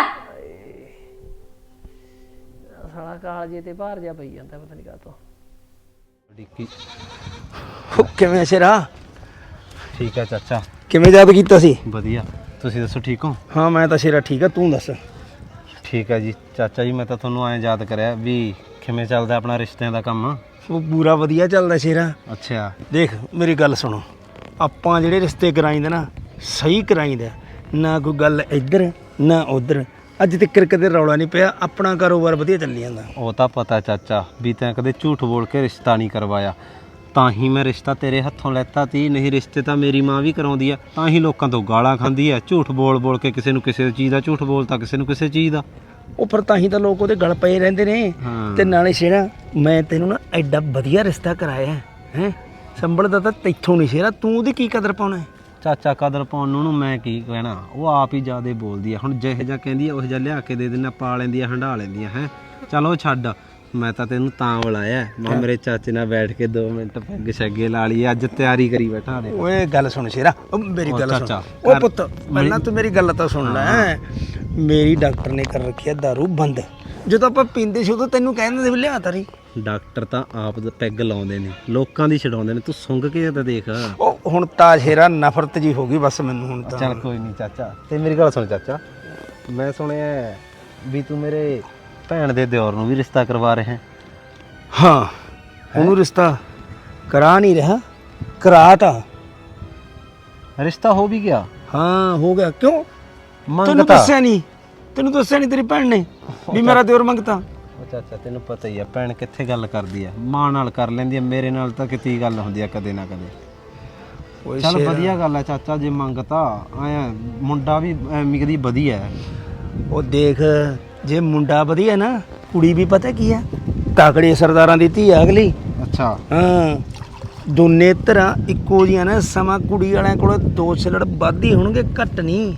K: ਸਾਲਾ ਕਾਲਜੇ ਤੇ ਭਾਰ ਜਾ ਪਈ ਜਾਂਦਾ, ਪਤਾ ਨਹੀਂ ਕਾਹਤੋਂ।
E: ਡਿੱਕੀ
F: ਕਿਵੇਂ ਸ਼ੇਰਾ?
E: ਠੀਕ ਹੈ ਚਾਚਾ।
F: ਕਿਵੇਂ ਯਾਦ ਕੀਤਾ ਸੀ?
E: ਵਧੀਆ, ਤੁਸੀਂ ਦੱਸੋ ਠੀਕ ਹੋ?
F: ਹਾਂ ਮੈਂ ਤਾਂ ਸ਼ੇਰਾ ਠੀਕ ਆ, ਤੂੰ ਦੱਸ।
E: ਠੀਕ ਹੈ ਜੀ ਚਾਚਾ ਜੀ, ਮੈਂ ਤਾਂ ਤੁਹਾਨੂੰ ਐਂ ਯਾਦ ਕਰਿਆ ਵੀ ਕਿਵੇਂ ਚੱਲਦਾ ਆਪਣਾ ਰਿਸ਼ਤਿਆਂ ਦਾ ਕੰਮ।
F: ਉਹ ਪੂਰਾ ਵਧੀਆ ਚੱਲਦਾ ਸ਼ੇਰਾ।
E: ਅੱਛਾ
F: ਦੇਖ ਮੇਰੀ ਗੱਲ ਸੁਣੋ, ਆਪਾਂ ਜਿਹੜੇ ਰਿਸ਼ਤੇ ਕਰਾਈਂਦੇ ਨਾ ਸਹੀ ਕਰਾਈਂਦੇ, ਨਾ ਕੋਈ ਗੱਲ ਇੱਧਰ ਨਾ ਉੱਧਰ। ਅੱਜ ਤੱਕ ਕਦੇ ਰੌਲਾ ਨਹੀਂ ਪਿਆ, ਆਪਣਾ ਕਾਰੋਬਾਰ ਵਧੀਆ ਚੱਲੀ ਜਾਂਦਾ।
E: ਉਹ ਤਾਂ ਪਤਾ ਚਾਚਾ ਵੀ ਤੈਂ ਕਦੇ ਝੂਠ ਬੋਲ ਕੇ ਰਿਸ਼ਤਾ ਨਹੀਂ ਕਰਵਾਇਆ, ਤਾਂ ਹੀ ਮੈਂ ਰਿਸ਼ਤਾ ਤੇਰੇ ਹੱਥੋਂ ਲੈਤਾ ਤੀ। ਨਹੀਂ ਰਿਸ਼ਤੇ ਤਾਂ ਮੇਰੀ ਮਾਂ ਵੀ ਕਰਾਉਂਦੀ ਆ, ਤਾਂ ਹੀ ਲੋਕਾਂ ਤੋਂ ਗਾਲਾਂ ਖਾਂਦੀ ਆ। ਝੂਠ ਬੋਲ ਬੋਲ ਕੇ ਕਿਸੇ ਨੂੰ ਕਿਸੇ ਚੀਜ਼ ਦਾ ਝੂਠ ਬੋਲਤਾ, ਕਿਸੇ ਨੂੰ ਕਿਸੇ ਚੀਜ਼ ਦਾ।
F: ਉਹ ਪਰ ਤਾਂ ਹੀ ਤਾਂ ਲੋਕ ਉਹਦੇ ਗਲ ਪਏ ਰਹਿੰਦੇ ਨੇ। ਤੇ ਨਾਲੇ ਸ਼ੇਰਾ ਮੈਂ ਤੈਨੂੰ ਨਾ ਐਡਾ ਵਧੀਆ ਰਿਸ਼ਤਾ ਕਰਾਇਆ ਹੈ, ਸੰਭਲਦਾ ਤਾਂ ਤੈਥੋਂ ਨਹੀਂ ਸ਼ੇਰਾ, ਤੂੰ ਉਹਦੀ ਕੀ ਕਦਰ ਪਾਉਣਾ?
E: ਚਾਚਾ ਕਦਰ ਪਾਉਣ ਨੂੰ ਮੈਂ ਕੀ ਕਹਿਣਾ, ਉਹ ਆਪ ਹੀ ਜ਼ਿਆਦਾ ਬੋਲਦੀ ਆ। ਹੁਣ ਜਿਹੋ ਜਿਹਾ ਕਹਿੰਦੀ ਆ ਉਹ ਜਿਹਾ ਲਿਆ ਕੇ ਦੇ ਦਿੰਦਾ, ਪਾ ਲੈਂਦੀ ਆ, ਹੰਢਾ ਲੈਂਦੀ ਆ। ਹੈ ਚਲੋ ਛੱਡ, ਮੈਂ ਤਾਂ ਤੈਨੂੰ ਤਾਂ ਬੁਲਾਇਆ, ਮੈਂ ਮੇਰੇ ਚਾਚੇ ਨਾਲ ਬੈਠ ਕੇ 2 ਮਿੰਟ ਪੈਗ ਛੱਗੇ ਲਾ ਲਈ। ਅੱਜ ਤਿਆਰੀ ਕਰੀ ਬੈਠਾ ਨੇ।
F: ਓਏ ਗੱਲ ਸੁਣ ਸ਼ੇਰਾ, ਉਹ ਮੇਰੀ ਗੱਲ ਸੁਣ। ਓ ਪੁੱਤ ਪਹਿਲਾਂ ਤੂੰ ਮੇਰੀ ਗੱਲ ਤਾਂ ਸੁਣ ਲੈ। ਮੇਰੀ ਡਾਕਟਰ ਨੇ ਕਰ ਰੱਖਿਆ ਦਾਰੂ ਬੰਦ। ਜਦੋਂ ਆਪਾਂ ਪੀਂਦੇ ਸੀ ਉਦੋਂ ਤੈਨੂੰ ਕਹਿੰਦੇ ਸੀ ਵੀ ਲਿਆ ਤਾਰੀ,
E: ਡਾਕਟਰ ਤਾਂ ਆਪ ਦਾ ਪੈਗ ਲਾਉਂਦੇ ਨੇ, ਲੋਕਾਂ ਦੀ ਛਡਾਉਂਦੇ ਨੇ, ਤੂੰ ਸੁੰਘ ਕੇ ਤਾਂ ਦੇਖ।
F: ਉਹ ਹੁਣ ਤਾਂ ਸ਼ੇਰਾ ਨਫ਼ਰਤ ਜੀ ਹੋ ਗਈ ਬਸ ਮੈਨੂੰ ਹੁਣ ਤਾਂ।
E: ਚੱਲ ਕੋਈ ਨਹੀਂ ਚਾਚਾ, ਤੇ ਮੇਰੀ ਗੱਲ ਸੁਣ ਚਾਚਾ, ਮੈਂ ਸੁਣਿਆ ਵੀ ਤੂੰ ਮੇਰੇ ਭੈਣ ਦੇ ਦਿਓਰ ਨੂੰ ਵੀ ਰਿਸ਼ਤਾ ਕਰਵਾ ਰਿਹਾ ਹੈ।
F: ਹਾਂ, ਉਹਨੂੰ ਰਿਸ਼ਤਾ ਕਰਾ ਨਹੀਂ ਰਿਹਾ, ਕਰਾਤਾ।
E: ਰਿਸ਼ਤਾ ਹੋ ਵੀ ਗਿਆ?
F: ਹਾਂ ਹੋ ਗਿਆ। ਕਿਉਂ ਤੈਨੂੰ
E: ਮੰਗਤਾ?
F: ਦੱਸਿਆ ਨਹੀਂ? ਤੈਨੂੰ ਦੱਸਿਆ ਨਹੀਂ ਤੇਰੀ ਭੈਣ ਨੇ ਵੀ ਮੇਰਾ ਦਿਓਰ ਮੰਗਤਾ?
E: ਉਹ ਚਾਚਾ ਤੈਨੂੰ ਪਤਾ ਹੀ ਆ ਭੈਣ ਕਿੱਥੇ ਗੱਲ ਕਰਦੀ ਆ, ਮਾਂ ਨਾਲ ਕਰ ਲੈਂਦੀ ਆ, ਮੇਰੇ ਨਾਲ ਤਾਂ ਕਿਤੇ ਗੱਲ ਹੁੰਦੀ ਆ ਕਦੇ ਨਾ ਕਦੇ। ਚੱਲ ਵਧੀਆ ਗੱਲ ਆ ਚਾਚਾ ਜੇ ਮੰਗਤਾ, ਆਇਆ ਮੁੰਡਾ ਵੀ ਐਵੇਂ ਕਦੀ ਵਧੀਆ ਹੈ।
F: ਉਹ ਦੇਖ, ਜੇ ਮੁੰਡਾ ਵਧੀਆ ਨਾ, ਕੁੜੀ ਵੀ ਪਤਾ ਕੀ ਆ, ਤਾਕੜੇ ਸਰਦਾਰਾਂ ਦੀ ਧੀ ਆ ਅਗਲੀ।
E: ਅੱਛਾ।
F: ਹਾਂ, ਦੋਨੇ ਤਰ੍ਹਾਂ ਇੱਕੋ ਜੀਆਂ ਨੇ। ਸਮਾਂ ਕੁੜੀ ਵਾਲਿਆਂ ਕੋਲ 2 ਛਿਲੜ ਵੱਧ ਹੀ ਹੋਣਗੇ, ਘੱਟ ਨਹੀਂ।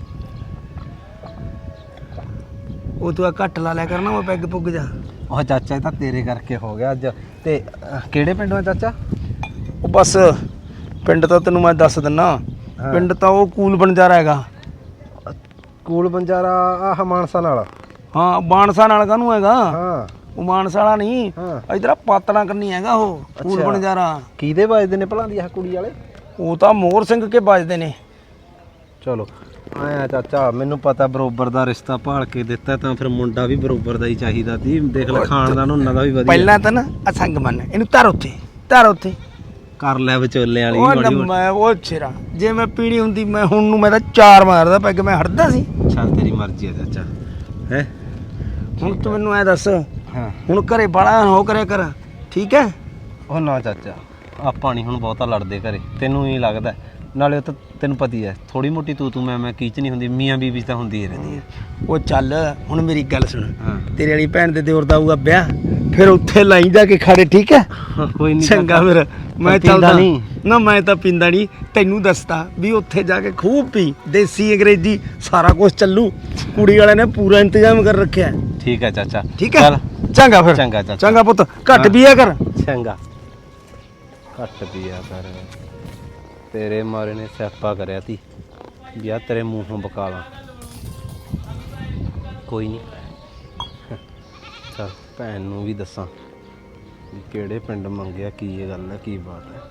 F: ਉਹ ਤੂੰ ਘੱਟ ਲਾ ਲਿਆ ਕਰਨਾ, ਮੈਂ ਪੈਗ ਪੁੱਗ ਜਾ।
E: ਉਹ ਚਾਚਾ ਇਹ ਤਾਂ ਤੇਰੇ ਕਰਕੇ ਹੋ ਗਿਆ ਅੱਜ। ਤੇ ਕਿਹੜੇ ਪਿੰਡੋਂ ਆ ਚਾਚਾ?
F: ਉਹ ਬਸ ਪਿੰਡ ਤਾਂ ਤੈਨੂੰ ਮੈਂ ਦੱਸ ਦਿੰਨਾ, ਪਿੰਡ ਤਾਂ ਉਹ ਕੂਲ ਬੰਜਾਰਾ ਹੈਗਾ।
E: ਕੂਲ ਬੰਜਾਰਾ ਆਹ ਮਾਨਸਾ ਨਾਲ?
F: ਹਾਂ, ਬਾਣਸਾ ਨਾਲ ਕਾਹਨੂੰ ਹੈਗਾ?
E: ਹਾਂ,
F: ਉਹ ਮਾਨਸਾ ਵਾਲਾ ਨਹੀਂ, ਇਧਰ ਪਾਤੜਾ ਕਰਨੀ ਹੈਗਾ ਉਹ ਕੂਲ ਬੰਜਾਰਾ।
E: ਕਿਹਦੇ ਵੱਜਦੇ ਨੇ ਭਲਾਂ ਦੀ ਆਹ ਕੁੜੀ ਵਾਲੇ?
F: ਉਹ ਤਾਂ ਮੋਹਰ ਸਿੰਘ ਕੇ ਵੱਜਦੇ ਨੇ।
E: ਚਲੋ ਆਇਆ ਚਾਚਾ, ਮੈਨੂੰ ਪਤਾ ਬਰੋਬਰ ਦਾ ਰਿਸ਼ਤਾ ਭਾਲ ਕੇ ਦਿੱਤਾ ਤਾਂ ਫਿਰ ਮੁੰਡਾ ਵੀ ਬਰੋਬਰ ਦਾ ਹੀ ਚਾਹੀਦਾ ਸੀ। ਦੇਖ ਲੈ ਖਾਨਦਾਨ ਉਹਨਾਂ ਦਾ ਵੀ ਵਧੀਆ।
F: ਪਹਿਲਾਂ ਤਾਂ ਨਾ ਅਸੰਗ ਮੰਨ, ਇਹਨੂੰ ਧਰ ਉੱਥੇ, ਧਰ ਉੱਥੇ
E: ਕਰ ਲੈ ਵਿਚੋਲੇ ਵਾਲੀ।
F: ਉਹ ਮੈਂ ਉਹ ਛੇਰਾ, ਜੇ ਮੈਂ ਪੀਣੀ ਹੁੰਦੀ ਮੈਂ ਹੁਣ ਨੂੰ ਮੈਂ ਤਾਂ 4 ਮਾਰਦਾ ਪੈਗ, ਮੈਂ ਹਟਦਾ ਸੀ।
E: ਚੱਲ ਤੇਰੀ ਮਰਜ਼ੀ ਆ ਚਾਚਾ। ਹੈ
F: ਹੁਣ ਤੂੰ ਮੈਨੂੰ ਐ ਦੱਸ,
E: ਹਾਂ
F: ਹੁਣ ਘਰੇ ਬਾਲਾ ਹੋ ਕਰਿਆ ਕਰ, ਠੀਕ ਹੈ?
E: ਉਹ ਨਾ ਚਾਚਾ, ਆਪਾਂ ਨਹੀਂ ਹੁਣ ਬਹੁਤਾ ਲੜਦੇ ਘਰੇ, ਤੈਨੂੰ ਹੀ ਲੱਗਦਾ। ਨਾਲੇ ਉਹ ਤਾਂ ਤੈਨੂੰ ਪਤੀ ਹੈ, ਥੋੜੀ ਮੋਟੀ ਤੂੰ ਮੈਂ ਕੀਚ ਨਹੀਂ ਹੁੰਦੀ, ਮੀਆਂ ਬੀਬੀ ਤਾਂ ਹੁੰਦੀ ਹੀ ਰਹਿੰਦੀ ਹੈ।
F: ਉਹ ਚੱਲ ਹੁਣ ਮੇਰੀ ਗੱਲ ਸੁਣ, ਤੇਰੇ ਵਾਲੀ ਭੈਣ ਦੇ ਦਿਓਰ ਦਾ ਆਊਗਾ ਵਿਆਹ, ਫਿਰ ਉੱਥੇ ਲਾਈ ਜਾ ਕੇ ਖਾੜੇ, ਠੀਕ ਹੈ?
E: ਕੋਈ ਨਹੀਂ
F: ਚੰਗਾ, ਫਿਰ ਮੈਂ ਚੱਲਦਾ ਨਹੀਂ ਨਾ। ਮੈਂ ਤਾਂ ਪੀਂਦਾ ਨਹੀਂ, ਤੈਨੂੰ ਦੱਸਦਾ ਵੀ ਉੱਥੇ ਜਾ ਕੇ ਖੂਬ ਪੀ, ਦੇਸੀ ਅੰਗਰੇਜ਼ੀ ਸਾਰਾ ਕੁਝ ਚੱਲੂ। ਕੁੜੀ ਵਾਲਿਆਂ ਨੇ ਪੂਰਾ ਇੰਤਜ਼ਾਮ ਕਰ ਰੱਖਿਆ।
E: ਠੀਕ ਹੈ ਚਾਚਾ,
F: ਠੀਕ ਹੈ? ਚੰਗਾ ਫਿਰ।
E: ਚੰਗਾ ਚਾਚਾ।
F: ਚੰਗਾ ਪੁੱਤ, ਘੱਟ ਪੀਆ ਕਰ।
E: ਚੰਗਾ, ਘੱਟ ਪੀਆ ਕਰ। ਤੇਰੇ ਮਾਰੇ ਨੇ ਸਿਆਪਾ ਕਰਿਆ ਤੀ ਵੀ ਆ ਤੇਰੇ ਮੂੰਹੋਂ ਬਕਾਲਾ। ਕੋਈ ਨਹੀਂ, ਚਲ ਭੈਣ ਨੂੰ ਵੀ ਦੱਸਾਂ ਵੀ ਕਿਹੜੇ ਪਿੰਡ ਮੰਗਿਆ, ਕੀ ਇਹ ਗੱਲ ਹੈ, ਕੀ ਬਾਤ ਹੈ।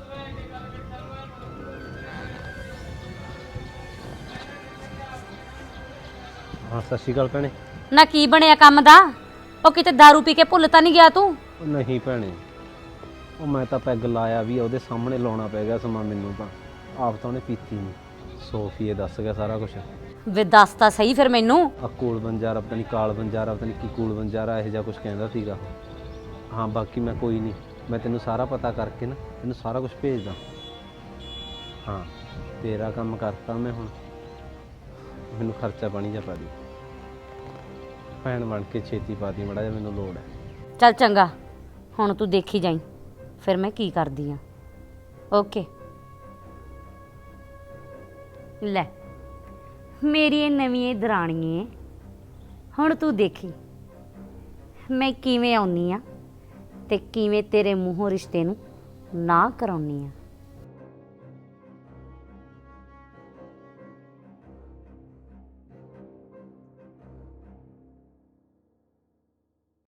E: ਹਾਂ ਸਤਿ ਸ਼੍ਰੀ ਅਕਾਲ ਭੈਣੇ।
A: ਨਾ ਕੀ ਬਣਿਆ ਕੰਮ ਦਾ? ਉਹ ਕਿਤੇ दारू ਪੀ ਕੇ ਭੁੱਲ ਤਾਂ ਨਹੀਂ ਗਿਆ ਤੂੰ?
E: ਉਹ ਨਹੀਂ ਭੈਣੇ, ਉਹ ਮੈਂ ਤਾਂ ਪੈਗ ਲਾਇਆ ਵੀ ਉਹਦੇ ਸਾਹਮਣੇ ਲਾਉਣਾ ਪੈ ਗਿਆ ਸਮਾਂ ਮੈਨੂੰ ਤਾਂ। ਆਪ ਤਾਂ ਉਹਨੇ ਪੀਤੀ ਨਹੀਂ, ਸੋਫੀਏ ਦੱਸ ਗਿਆ ਸਾਰਾ ਕੁਝ।
A: ਵੇ ਦੱਸ ਤਾਂ ਸਹੀ ਫਿਰ ਮੈਨੂੰ।
E: ਆ ਕੂਲ ਬੰਜਾਰਾ ਪਤਾ ਨਹੀਂ, ਕਾਲ ਬੰਜਾਰਾ ਪਤਾ ਨਹੀਂ ਕੀ ਕੂਲ ਬੰਜਾਰਾ ਇਹੋ ਜਿਹਾ ਕੁਝ ਕਹਿੰਦਾ ਸੀਗਾ। ਹਾਂ ਬਾਕੀ ਮੈਂ ਕੋਈ ਨਹੀਂ, ਮੈਂ ਤੈਨੂੰ ਸਾਰਾ ਪਤਾ ਕਰਕੇ ਨਾ ਤੈਨੂੰ ਸਾਰਾ ਕੁਝ ਭੇਜਦਾ। ਹਾਂ ਤੇਰਾ ਕੰਮ ਕਰਤਾ ਮੈਂ ਹੁਣ, ਮੈਨੂੰ ਖਰਚਾ ਪਾਣੀ ਜਾ ਪਾ ਦੀ ਭੈਣ ਬਣ ਕੇ, ਛੇਤੀ ਪਾ ਦੀ ਮੜਾ ਜਿਹਾ, ਮੈਨੂੰ ਲੋੜ ਹੈ।
A: ਚੱਲ ਚੰਗਾ, ਹੁਣ ਤੂੰ ਦੇਖੀ ਜਾਈ ਫਿਰ ਮੈਂ ਕੀ ਕਰਦੀ ਆ। ਓਕੇ ਲੈ ਮੇਰੀ ਇਹ ਨਵੀਂ ਦਰਾਣੀਏ, ਹੁਣ ਤੂੰ ਦੇਖੀ ਮੈਂ ਕਿਵੇਂ ਆਉਣੀ ਆ ਤੇ ਕਿਵੇਂ ਤੇਰੇ ਮੂੰਹੋਂ ਰਿਸ਼ਤੇ ਨੂੰ ਨਾ ਕਰਾਉਣੀ ਆ।